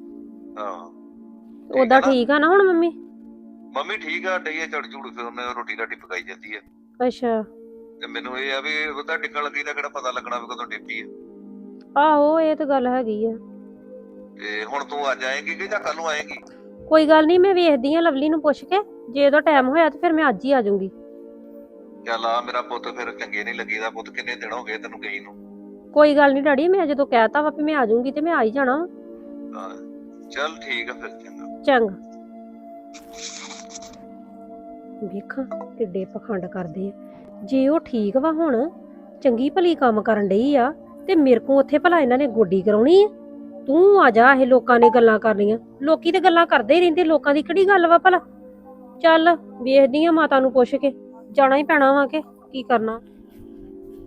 S9: ਹਾਂ
S8: ਉਹਦਾ ਠੀਕ ਆ ਨਾ ਹੁਣ ਮੰਮੀ?
S9: ਮੰਮੀ ਠੀਕ ਆ, ਡਈ ਆ ਝੜ ਝੂੜ ਕੇ, ਉਹਨੇ ਰੋਟੀ ਰਾਟੀ ਪਕਾਈ ਜਾਂਦੀ ਆ।
S8: ਅੱਛਾ।
S9: ਤੇ ਮੈਨੂੰ ਇਹ ਆ ਵੀ ਉਹਦਾ ਟਿਕਣ ਲੱਗੀ ਦਾ ਕਿਹੜਾ ਪਤਾ ਲੱਗਣਾ ਵੀ ਕਦੋਂ ਡਿੱਪੀ ਆ।
S8: ਆਹੋ ਇਹ ਤਾਂ ਗੱਲ ਹੈਗੀ ਆ।
S9: ਤੇ ਹੁਣ ਤੂੰ ਅੱਜ ਆਏਂਗੀ ਕਿ ਜਾਂ ਕੱਲ ਨੂੰ ਆਏਂਗੀ?
S8: ਕੋਈ ਗੱਲ ਨਹੀਂ, ਮੈਂ ਵੇਖਦੀ ਆ ਲਵਲੀ ਨੂੰ ਪੁੱਛ ਕੇ, ਜੇ ਉਹਦਾ ਟਾਈਮ ਹੋਇਆ ਤੇ ਫਿਰ ਮੈਂ ਅੱਜ ਹੀ ਆ ਜਾਊਂਗੀ।
S9: ਚੱਲ ਆ ਮੇਰਾ ਪੁੱਤ, ਫਿਰ ਚੰਗੇ ਨਹੀਂ ਲੱਗੀਦਾ ਪੁੱਤ, ਕਿੰਨੇ ਦਿਨ ਹੋ ਗਏ ਤੈਨੂੰ ਗਈ ਨੂੰ।
S8: ਕੋਈ ਗੱਲ ਨਹੀਂ ਡੈਡੀ, ਮੈਂ ਜਦੋਂ ਕਹਿਤਾ ਵਾ ਵੀ ਮੈਂ ਆ ਜਾਊਂਗੀ ਤੇ ਮੈਂ ਆ ਹੀ ਜਾਣਾ।
S9: ਹਾਂ ਚੱਲ ਠੀਕ ਆ ਫਿਰ, ਚੰਗਾ।
S8: ਚੰਗਾ। ਵੇਖਾਂ ਕਿੱਡੇ ਪਖੰਡ ਕਰਦੇ ਆ। ਜੇ ਉਹ ਠੀਕ ਵਾ ਹੁਣ, ਚੰਗੀ ਭਲੀ ਕੰਮ ਕਰਨ ਡਈ ਆ, ਤੇ ਮੇਰੇ ਕੋਲ ਉੱਥੇ ਭਲਾ ਇਹਨਾਂ ਨੇ ਗੋਡੀ ਕਰਾਉਣੀ ਆ। ਤੂੰ ਆ ਜਾ, ਇਹ ਲੋਕਾਂ ਨੇ ਗੱਲਾਂ ਕਰਨੀਆਂ, ਲੋਕੀ ਤੇ ਗੱਲਾਂ ਕਰਦੇ ਹੀ ਰਹਿੰਦੇ, ਲੋਕਾਂ ਦੀ ਕਿਹੜੀ ਗੱਲ ਵਾ ਭਲਾ। ਚੱਲ ਵੇਖਦੀ ਆ, ਮਾਤਾ ਨੂੰ ਪੁੱਛ ਕੇ ਜਾਣਾ ਹੀ ਪੈਣਾ ਵਾ ਕਿ ਕੀ ਕਰਨਾ।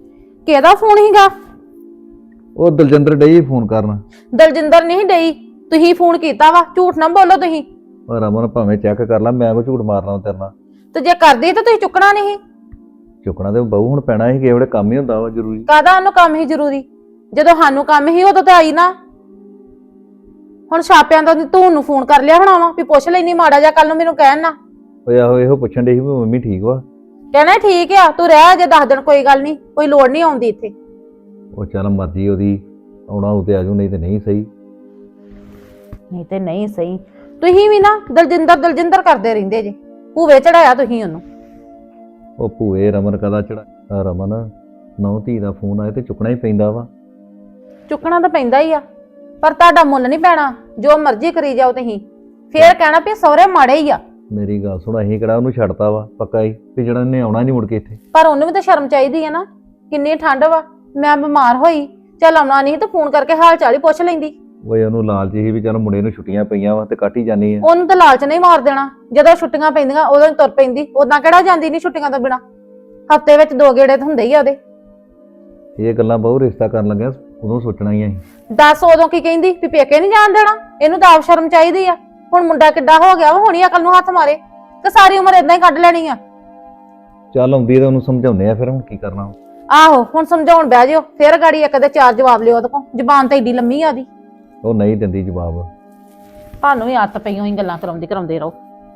S1: ਕਿਹਦਾ ਫੋਨ ਹੀਗਾ?
S2: ਉਹ ਦਲਜਿੰਦਰ ਡਈ ਫੋਨ ਕਰਨ।
S1: ਦਲਜਿੰਦਰ ਨਹੀਂ ਡਈ, ਤੁਸੀਂ ਫੋਨ ਕੀਤਾ ਵਾ, ਝੂਠ ਨਾ ਬੋਲੋ ਤੁਸੀਂ।
S2: ਉਹ ਰਮਨ ਭਾਵੇਂ ਚੈੱਕ ਕਰ ਲਾ, ਮੈਂ ਕੋ ਝੂਠ ਮਾਰਨਾ ਤੇਰੇ ਨਾਲ।
S1: ਤੇ ਜੇ ਕਰਦੀ ਤਾਂ ਤੁਸੀਂ ਚੁੱਕਣਾ ਨਹੀਂ।
S2: ਚੁੱਕਣਾ ਤੇ ਬਹੂ ਹੁਣ ਪੈਣਾ ਸੀ, ਕਿਸੇ ਵੇਲੇ ਕੰਮ ਹੀ ਹੁੰਦਾ ਵਾ ਜ਼ਰੂਰੀ।
S1: ਕਾਹਦਾ ਉਹਨੂੰ ਕੰਮ ਹੀ ਜ਼ਰੂਰੀ, ਜਦੋਂ ਸਾਨੂੰ ਕੰਮ ਹੀ ਉਦੋਂ ਤੇ ਆਈ ਨਾ। ਹੁਣ ਛਾਪਿਆਂ ਦਾ ਤੂੰ ਨੂੰ ਫੋਨ ਕਰ ਲਿਆ ਹੋਣਾ ਵਾ ਵੀ ਪੁੱਛ ਲੈਣੀ ਮਾੜਾ ਜਿਹਾ, ਕੱਲ ਨੂੰ ਮੈਨੂੰ ਕਹਿਣ ਨਾ।
S2: ਓਏ ਆਹੋ ਇਹੋ ਪੁੱਛਣ ਡਈ ਸੀ ਵੀ ਮੰਮੀ ਠੀਕ ਵਾ।
S1: ਕਹਿਣਾ ਠੀਕ ਆ, ਤੂੰ ਰਹਿ ਜੇ 10 ਦਿਨ, ਕੋਈ ਗੱਲ ਨਹੀਂ, ਕੋਈ ਲੋੜ ਨਹੀਂ ਆਉਂਦੀ ਇੱਥੇ।
S2: ਉਹ ਚੱਲ ਮਰਜ਼ੀ ਉਹਦੀ, ਆਉਣਾ ਉਤੇ ਆਜੂ, ਨਹੀਂ ਤੇ ਨਹੀਂ ਸਹੀ।
S1: ਨਹੀਂ ਤੇ ਨਹੀਂ ਸਹੀ। ਤੁਸੀਂ ਵੀ ਨਾ ਦਲਜਿੰਦਰ ਕਰਦੇ ਰਹਿੰਦੇ ਜੇ, ਭੂਵੇ ਚੜਾਇਆ ਤੁਸੀਂ ਉਹਨੂੰ।
S2: ਉਹ ਭੂਏ ਰਮਨ ਕਦਾ ਚੜਾ। ਰਮਨ ਨੌ ਧੀ ਦਾ ਫੋਨ ਆਏ ਤੇ ਚੁੱਕਣਾ ਹੀ ਪੈਂਦਾ ਵਾ।
S1: ਚੁੱਕਣਾ ਤਾਂ ਪੈਂਦਾ ਹੀ ਆ, ਪਰ ਤੁਹਾਡਾ ਮੁੱਲ ਨਹੀਂ ਪੈਣਾ। ਜੋ ਮਰਜ਼ੀ ਕਰੀ ਜਾਓ ਤੁਸੀਂ, ਫੇਰ ਕਹਿਣਾ ਵੀ ਸਹੁਰੇ ਮਾੜੇ ਹੀ ਆ।
S2: ਮੇਰੀ ਗੱਲ ਸੁਣ, ਅਸੀਂ ਕਿਹੜਾ ਉਹਨੂੰ ਛੱਡਤਾ ਵਾ ਪੱਕਾ ਹੀ ਵੀ ਜਿਹੜਾ ਇਹਨੇ ਆਉਣਾ ਨਹੀਂ ਮੁੜ ਕੇ ਇੱਥੇ।
S1: ਪਰ ਉਹਨੂੰ ਵੀ ਤਾਂ ਸ਼ਰਮ ਚਾਹੀਦੀ ਹੈ ਨਾ। ਕਿੰਨੀ ਠੰਡ ਵਾ, ਮੈਂ ਬਿਮਾਰ ਹੋਈ, ਚੱਲ ਆਉਣਾ ਨਹੀਂ ਤਾਂ ਫੋਨ ਕਰਕੇ ਹਾਲ ਚਾਲ ਹੀ ਪੁੱਛ ਲੈਂਦੀ।
S2: ਓਏ ਉਹਨੂੰ ਲਾਲਚ ਸੀ ਵੀ ਚੱਲ ਮੁੰਡੇ ਨੂੰ ਛੁੱਟੀਆਂ ਪਈਆਂ ਵਾ ਤੇ ਕੱਟ ਹੀ ਜਾਨੀ ਆ।
S1: ਉਹਨੂੰ ਤਾਂ ਲਾਲਚ ਨਹੀਂ ਮਾਰ ਦੇਣਾ, ਜਦੋਂ ਛੁੱਟੀਆਂ ਪੈਂਦੀਆਂ ਉਦੋਂ ਹੀ ਤੁਰ ਪੈਂਦੀ। ਉਦਾਂ ਕਿਹੜਾ ਜਾਂਦੀ ਨਹੀਂ ਛੁੱਟੀਆਂ ਤੋਂ ਬਿਨਾ, ਹਫਤੇ ਵਿੱਚ 2 ਗੇੜੇ ਤਾਂ ਹੁੰਦੇ ਹੀ ਆ ਉਹਦੇ।
S2: ਇਹ ਗੱਲਾਂ ਬਹੁ ਰਿਸ਼ਤਾ ਕਰਨ ਲੱਗਿਆ ਉਦੋਂ ਸੋਚਣਾ ਹੀ ਅਸੀਂ।
S1: ਦੱਸ ਉਦੋਂ ਕੀ ਕਹਿੰਦੀ ਵੀ ਪੇਕੇ ਨਹੀਂ ਜਾਣ ਦੇਣਾ। ਇਹਨੂੰ ਤਾਂ ਆਪ ਸ਼ਰਮ ਚਾਹੀਦੀ ਆ। ਹੁਣ ਮੁੰਡਾ ਕਿੱਡਾ ਹੋ ਗਿਆ ਵਾ, ਹੁਣੀ ਅਕਲ ਨੂੰ ਹੱਥ ਮਾਰੇ ਤੇ ਸਾਰੀ ਉਮਰ ਏਦਾਂ ਹੀ ਕੱਢ ਲੈਣੀ ਆ।
S2: ਚੱਲ ਆਉਂਦੀ ਤਾਂ ਉਹਨੂੰ ਸਮਝਾਉਂਦੇ ਆ, ਫਿਰ ਹੁਣ ਕੀ ਕਰਨਾ।
S1: ਆਹੋ ਹੁਣ ਸਮਝਾਉਣ ਬਹਿ ਜਿਓ, ਫੇਰ ਗਾੜੀ ਇੱਕ ਦੇ 4 ਜਵਾਬ ਲਿਓ ਉਹਦੇ ਕੋਲ। ਜ਼ਬਾਨ ਤਾਂ ਏਡੀ ਲੰਮੀ ਆ ਉਹਦੀ।
S2: ਉਹ ਨਹੀਂ ਦਿੰਦੀ ਜਵਾਬ।
S1: ਤੁਹਾਨੂੰ ਵੀ ਆਦਤ ਪਈ ਹੋਈ ਗੱਲਾਂ ਕਰਾਉਂਦੇ ਰਹੋ।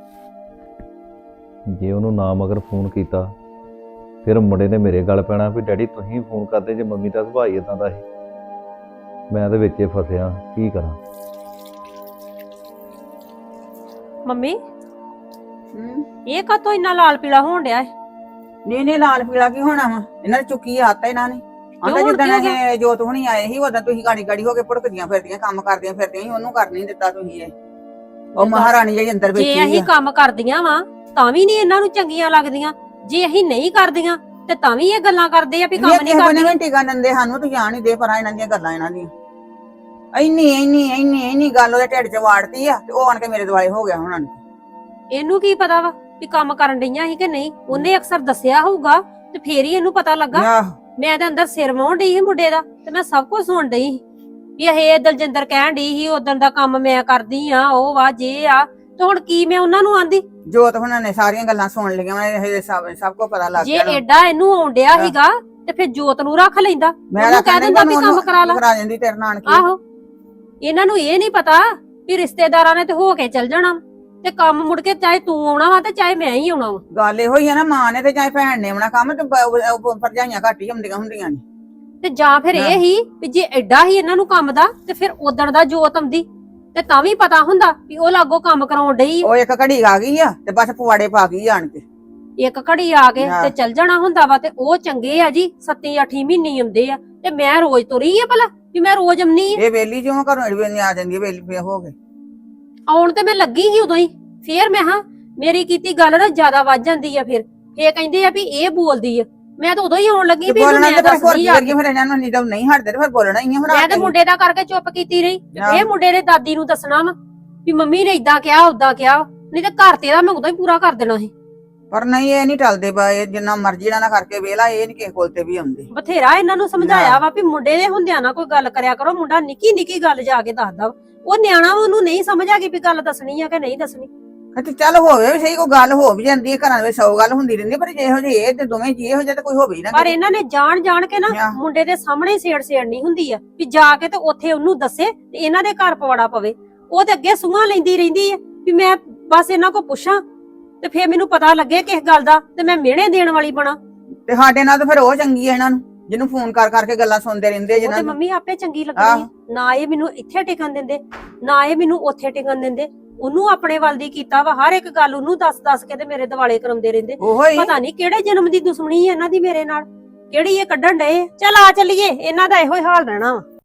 S2: ਜੇ ਉਹਨੂੰ ਨਾ ਮਗਰ ਫੋਨ ਕੀਤਾ ਫਿਰ ਮੁੰਡੇ ਨੇ ਮੇਰੇ ਗੱਲ ਪੈਣਾ ਵੀ ਡੈਡੀ ਤੁਸੀਂ ਫੋਨ ਕਰਦੇ ਜੇ ਮੰਮੀ ਦਾ ਸੁਭਾਅ ਹੀ ਇਦਾਂ ਦਾ ਸੀ। ਮੈਂ ਤੇ ਵਿੱਚੇ ਫਸਿਆ, ਕੀ ਕਰਾਂ।
S8: ਮੰਮੀ ਇਹ ਕਾਤੋਂ ਇੰਨਾ ਲਾਲ ਪੀਲਾ ਹੋਣ ਡਿਆ ਹੈ?
S4: ਨਹੀਂ ਲਾਲ ਪੀਲਾ ਕੀ ਹੋਣਾ ਵਾ, ਇਹਨਾਂ ਨੇ ਚੁੱਕੀ ਆਤਾ ਇਹਨਾਂ ਨੇ। ਆਂਦਾ ਜਿੱਦਾਂ ਇਹ ਜੋਤ ਹੁਣੀ ਆਏ ਸੀ ਉਦੋਂ ਤੁਸੀਂ ਗਾੜੀ ਹੋ ਕੇ ਭੁੜਕਦੀਆਂ ਫਿਰਦੀਆਂ, ਕੰਮ ਕਰਦੀਆਂ ਫਿਰਦੀਆਂ ਸੀ, ਉਹਨੂੰ ਕਰ ਨਹੀਂ ਦਿੱਤਾ ਤੁਸੀਂ। ਇਹ ਉਹ ਮਹਾਰਾਣੀ ਜਿਹੜੀ ਅੰਦਰ ਬੈਠੀ
S8: ਜੇ ਅਸੀਂ ਕੰਮ ਕਰਦੀਆਂ ਵਾ ਤਾਂ ਵੀ ਨਹੀਂ ਇਹਨਾਂ ਨੂੰ ਚੰਗੀਆਂ ਲੱਗਦੀਆਂ, ਜੇ ਅਸੀਂ ਨਹੀਂ ਕਰਦੀਆਂ ਤੇ ਤਾਂ ਵੀ ਇਹ ਗੱਲਾਂ ਕਰਦੇ ਆ ਵੀ ਕੰਮ ਨਹੀਂ ਕਰਦੀਆਂ।
S4: ਟਿਕਾ ਦਿੰਦੇ ਸਾਨੂੰ, ਤੂੰ ਜਾਣ ਹੀ ਦੇ ਪਰਾਂ ਇਹਨਾਂ ਦੀਆਂ ਗੱਲਾਂ। ਇਹਨਾਂ ਦੀਆਂ ਇੰਨੀ ਗੱਲ ਉਹਦੇ ਢਿੱਡ 'ਚ ਵਾੜਤੀ ਆ ਤੇ ਉਹ ਆਣ ਕੇ ਮੇਰੇ ਦੁਆਲੇ ਹੋ ਗਿਆ ਉਹਨਾਂ ਨੂੰ।
S8: ਇਹਨੂੰ ਕੀ ਪਤਾ ਵਾ ਵੀ ਕੰਮ ਕਰਨ ਡਈਆਂ ਸੀ ਕਿ ਨਹੀਂ, ਉਹਨੇ ਅਕਸਰ ਦੱਸਿਆ ਹੋਊਗਾ ਤੇ ਫੇਰ ਹੀ ਇਹਨੂੰ ਪਤਾ ਲੱਗਾ। ਮੈਂ ਤਾਂ ਅੰਦਰ ਸਿਰ ਵਾਉਣ ਡਈ ਸੀ ਮੁੰਡੇ ਦਾ ਤੇ ਮੈਂ ਸਭ ਕੁਝ ਸੁਣ ਡਈ ਸੀ ਵੀ ਇਹ ਦਲਜਿੰਦਰ ਕਹਿਣ ਡਈ ਸੀ ਉਦੋਂ ਦਾ ਕੰਮ ਮੈਂ ਕਰਦੀ ਆ, ਉਹ ਵਾ ਜੇ ਆ। ਤੇ ਹੁਣ ਕੀ ਮੈਂ ਉਹਨਾਂ ਨੂੰ ਆਂਦੀ?
S4: ਜੋਤ ਹੁਣਾਂ ਨੇ ਸਾਰੀਆਂ ਗੱਲਾਂ ਸੁਣ ਲਈਆਂ, ਸਭ ਕੋ ਪਤਾ ਲੱਗ ਗਿਆ।
S8: ਜੇ ਐਡਾ ਇਹਨੂੰ ਆਉਂਦਿਆ ਸੀਗਾ ਤੇ ਫਿਰ ਜੋਤ ਨੂੰ ਰੱਖ ਲੈਂਦਾ, ਉਹਨੂੰ ਕਹਿ ਦਿੰਦਾ ਵੀ ਕੰਮ ਕਰਾ
S4: ਜਾਂਦੀ ਤੇਰੇ ਨਾਲ।
S8: ਆਹੋ ਇਹਨਾਂ ਨੂੰ ਇਹ ਨਹੀਂ ਪਤਾ ਵੀ ਰਿਸ਼ਤੇਦਾਰਾਂ ਨੇ ਤੇ ਹੋ ਕੇ ਚੱਲ ਜਾਣਾ ਤੇ ਕੰਮ ਮੁੜ ਕੇ ਚਾਹੇ ਤੂੰ ਆਉਣਾ ਵਾ ਤੇ ਚਾਹੇ ਮੈਂ ਹੀ ਆਉਣਾ ਵਾ।
S4: ਗੱਲ ਇਹੋ ਹੀ ਆ ਨਾ, ਮਾਂ ਨੇ ਤੇ ਚਾਹੇ ਭੈਣ ਨੇ ਆਉਣਾ ਕੰਮ, ਤੇ ਭਰਜਾਈਆਂ ਘੱਟ ਹੀ ਹੁੰਦੀਆਂ ਨੇ।
S8: ਤੇ ਜਾਂ ਫਿਰ ਇਹ ਹੀ ਵੀ ਜੇ ਐਡਾ ਹੀ ਇਹਨਾਂ ਨੂੰ ਕੰਮ ਦਾ ਤੇ ਫਿਰ ਉਦਣ ਦਾ ਜੋਤ ਆਉਂਦੀ ਤੇ ਤਾਂ ਵੀ ਪਤਾ ਹੁੰਦਾ ਵੀ ਉਹ ਲਾਗੋ ਕੰਮ ਕਰਾਉਣ ਡਈ।
S4: ਉਹ ਇੱਕ ਘੜੀ ਆ ਗਈ ਆ ਤੇ ਬਸ ਪੁਆੜੇ ਪਾ ਗਈ ਆਣ ਕੇ।
S8: ਇੱਕ ਘੜੀ ਆ ਕੇ ਤੇ ਚੱਲ ਜਾਣਾ ਹੁੰਦਾ ਵਾ ਤੇ ਉਹ ਚੰਗੇ ਆ ਜੀ, 7-8 ਮਹੀਨੇ ਆਉਂਦੇ ਆ ਤੇ ਮੈਂ ਰੋਜ਼ ਤੁਰੀ ਆ ਭਲਾ ਵੀ ਮੈਂ ਰੋਜ਼ ਆਉਣੀ ਆ।
S4: ਇਹ ਵੇਲੀ ਜਿਉਂ ਘਰੋਂ ਆ ਜਾਂਦੀ ਹੈ, ਵੇਲੀ ਹੋ ਕੇ
S8: ਆਉਣ ਤੇ ਮੈਂ ਲੱਗੀ ਸੀ ਉਦੋਂ ਹੀ। ਫੇਰ ਮੈਂ ਮੇਰੀ ਕੀਤੀ ਗੱਲ ਨਾ ਜ਼ਿਆਦਾ ਵੱਜ ਜਾਂਦੀ ਆ। ਫਿਰ ਇਹ ਕਹਿੰਦੇ ਆ ਵੀ ਇਹ ਬੋਲਦੀ ਆ, ਮੈਂ ਤਾਂ ਉਦੋਂ ਹੀ ਆਉਣ ਲੱਗੀ ਵੀ
S4: ਬੋਲਣਾ ਤੇ ਫਿਰ ਇਹਨਾਂ ਨੂੰ ਨਹੀਂ ਹਟਦੇ ਤੇ ਫਿਰ ਬੋਲਣਾ ਹੀ ਆ।
S8: ਮੈਂ ਤੇ ਮੁੰਡੇ ਦਾ ਕਰਕੇ ਚੁੱਪ ਕੀਤੀ ਰਹੀ। ਇਹ ਮੁੰਡੇ ਨੇ ਦਾਦੀ ਨੂੰ ਦੱਸਣਾ ਵਾ ਵੀ ਮੰਮੀ ਨੇ ਇਦਾਂ ਕਿਹਾ ਉਦਾਂ ਕਿਹਾ, ਨਹੀਂ ਤੇ ਘਰ ਤੇਰਾ ਮੈਂ ਉਦੋਂ ਹੀ ਪੂਰਾ ਕਰ ਦੇਣਾ ਸੀ।
S4: ਪਰ ਨਹੀਂ, ਇਹ ਨਹੀਂ ਟਲਦੇ ਇਹ ਜਿੰਨਾ ਮਰਜ਼ੀ ਇਹਨਾਂ ਨਾਲ ਕਰਕੇ ਵੇਲਾ, ਇਹ ਨਹੀਂ ਕਿਸੇ ਕੋਲ ਤੇ ਵੀ ਆਉਂਦੇ।
S8: ਬਥੇਰਾ ਇਹਨਾਂ ਨੂੰ ਸਮਝਾਇਆ ਵਾ ਵੀ ਮੁੰਡੇ ਦੇ ਹੁੰਦਿਆਂ ਨਾ ਕੋਈ ਗੱਲ ਕਰਿਆ ਕਰੋ। ਮੁੰਡਾ ਨਿੱਕੀ ਗੱਲ ਜਾ ਕੇ ਦੱਸਦਾ, ਉਹ ਨਿਆਣਾ ਉਹਨੂੰ ਨਹੀਂ ਸਮਝ ਆ ਗਈ ਵੀ ਗੱਲ ਦੱਸਣੀ ਆ ਕਿ ਨਹੀਂ ਦੱਸਣੀ।
S4: ਤੇ ਚੱਲ ਹੋਵੇ ਵੀ ਸਹੀ, ਕੋਈ ਗੱਲ ਹੋ ਵੀ ਜਾਂਦੀ ਹੈ ਘਰਾਂ ਵਿੱਚ, 100 ਗੱਲ ਹੁੰਦੀ ਰਹਿੰਦੀ, ਪਰ ਜਿਹੋ ਜਿਹੇ ਇਹ ਤੇ ਦੋਵੇਂ ਜੀ ਇਹੋ ਜਿਹੇ ਤਾਂ ਕੋਈ ਹੋਵੇ ਹੀ ਨਾ।
S8: ਪਰ ਇਹਨਾਂ ਨੇ ਜਾਣ ਕੇ ਨਾ ਮੁੰਡੇ ਦੇ ਸਾਹਮਣੇ ਛੇੜਨੀ ਹੁੰਦੀ ਆ ਵੀ ਜਾ ਕੇ ਤੇ ਉੱਥੇ ਉਹਨੂੰ ਦੱਸੇ ਤੇ ਇਹਨਾਂ ਦੇ ਘਰ ਪਵਾੜਾ ਪਵੇ। ਉਹ ਤੇ ਅੱਗੇ ਸੂਹਾਂ ਲੈਂਦੀ ਰਹਿੰਦੀ ਆ ਵੀ ਮੈਂ ਬਸ ਇਹਨਾਂ ਕੋ ਪੁੱਛਾਂ ਤੇ ਫੇਰ ਮੈਨੂੰ ਪਤਾ ਲੱਗੇ ਕਿਸ ਗੱਲ ਦਾ ਤੇ ਮੈਂ ਮਿਹਣੇ ਦੇਣ ਵਾਲੀ ਬਣਾ।
S4: ਤੇ ਸਾਡੇ ਨਾਲ ਤਾਂ ਫਿਰ ਉਹ ਚੰਗੀ ਆ ਇਹਨਾਂ ਨੂੰ, ਜਿਹਨੂੰ ਫੋਨ ਕਰਕੇ ਗੱਲਾਂ ਸੁਣਦੇ ਰਹਿੰਦੇ ਜਿਹਨਾਂ ਨੂੰ।
S8: ਮੰਮੀ ਆਪੇ ਚੰਗੀ ਲੱਗਦੀ ਨਾ, ਇਹ ਮੈਨੂੰ ਇੱਥੇ ਟਿਕਣ ਦਿੰਦੇ ਨਾ ਇਹ ਮੈਨੂੰ ਉੱਥੇ ਟਿਕਣ ਦਿੰਦੇ। ਉਹਨੂੰ ਆਪਣੇ ਵੱਲ ਦੀ ਕੀਤਾ ਵਾ, ਹਰ ਇੱਕ ਗੱਲ ਉਹਨੂੰ ਦੱਸ ਕੇ ਤੇ ਮੇਰੇ ਦਿਵਾਲੇ ਕਰਾਉਂਦੇ ਰਹਿੰਦੇ। ਪਤਾ ਨਹੀਂ ਕਿਹੜੇ ਜਨਮ ਦੀ ਦੁਸ਼ਮਣੀ ਹੈ ਇਹਨਾਂ ਦੀ ਮੇਰੇ ਨਾਲ, ਕਿਹੜੀ ਇਹ ਕੱਢਣ ਡਏ। ਚੱਲ ਆ ਚੱਲੀਏ, ਇਹਨਾਂ ਦਾ ਇਹੋ ਹੀ ਹਾਲ ਰਹਿਣਾ ਵਾ।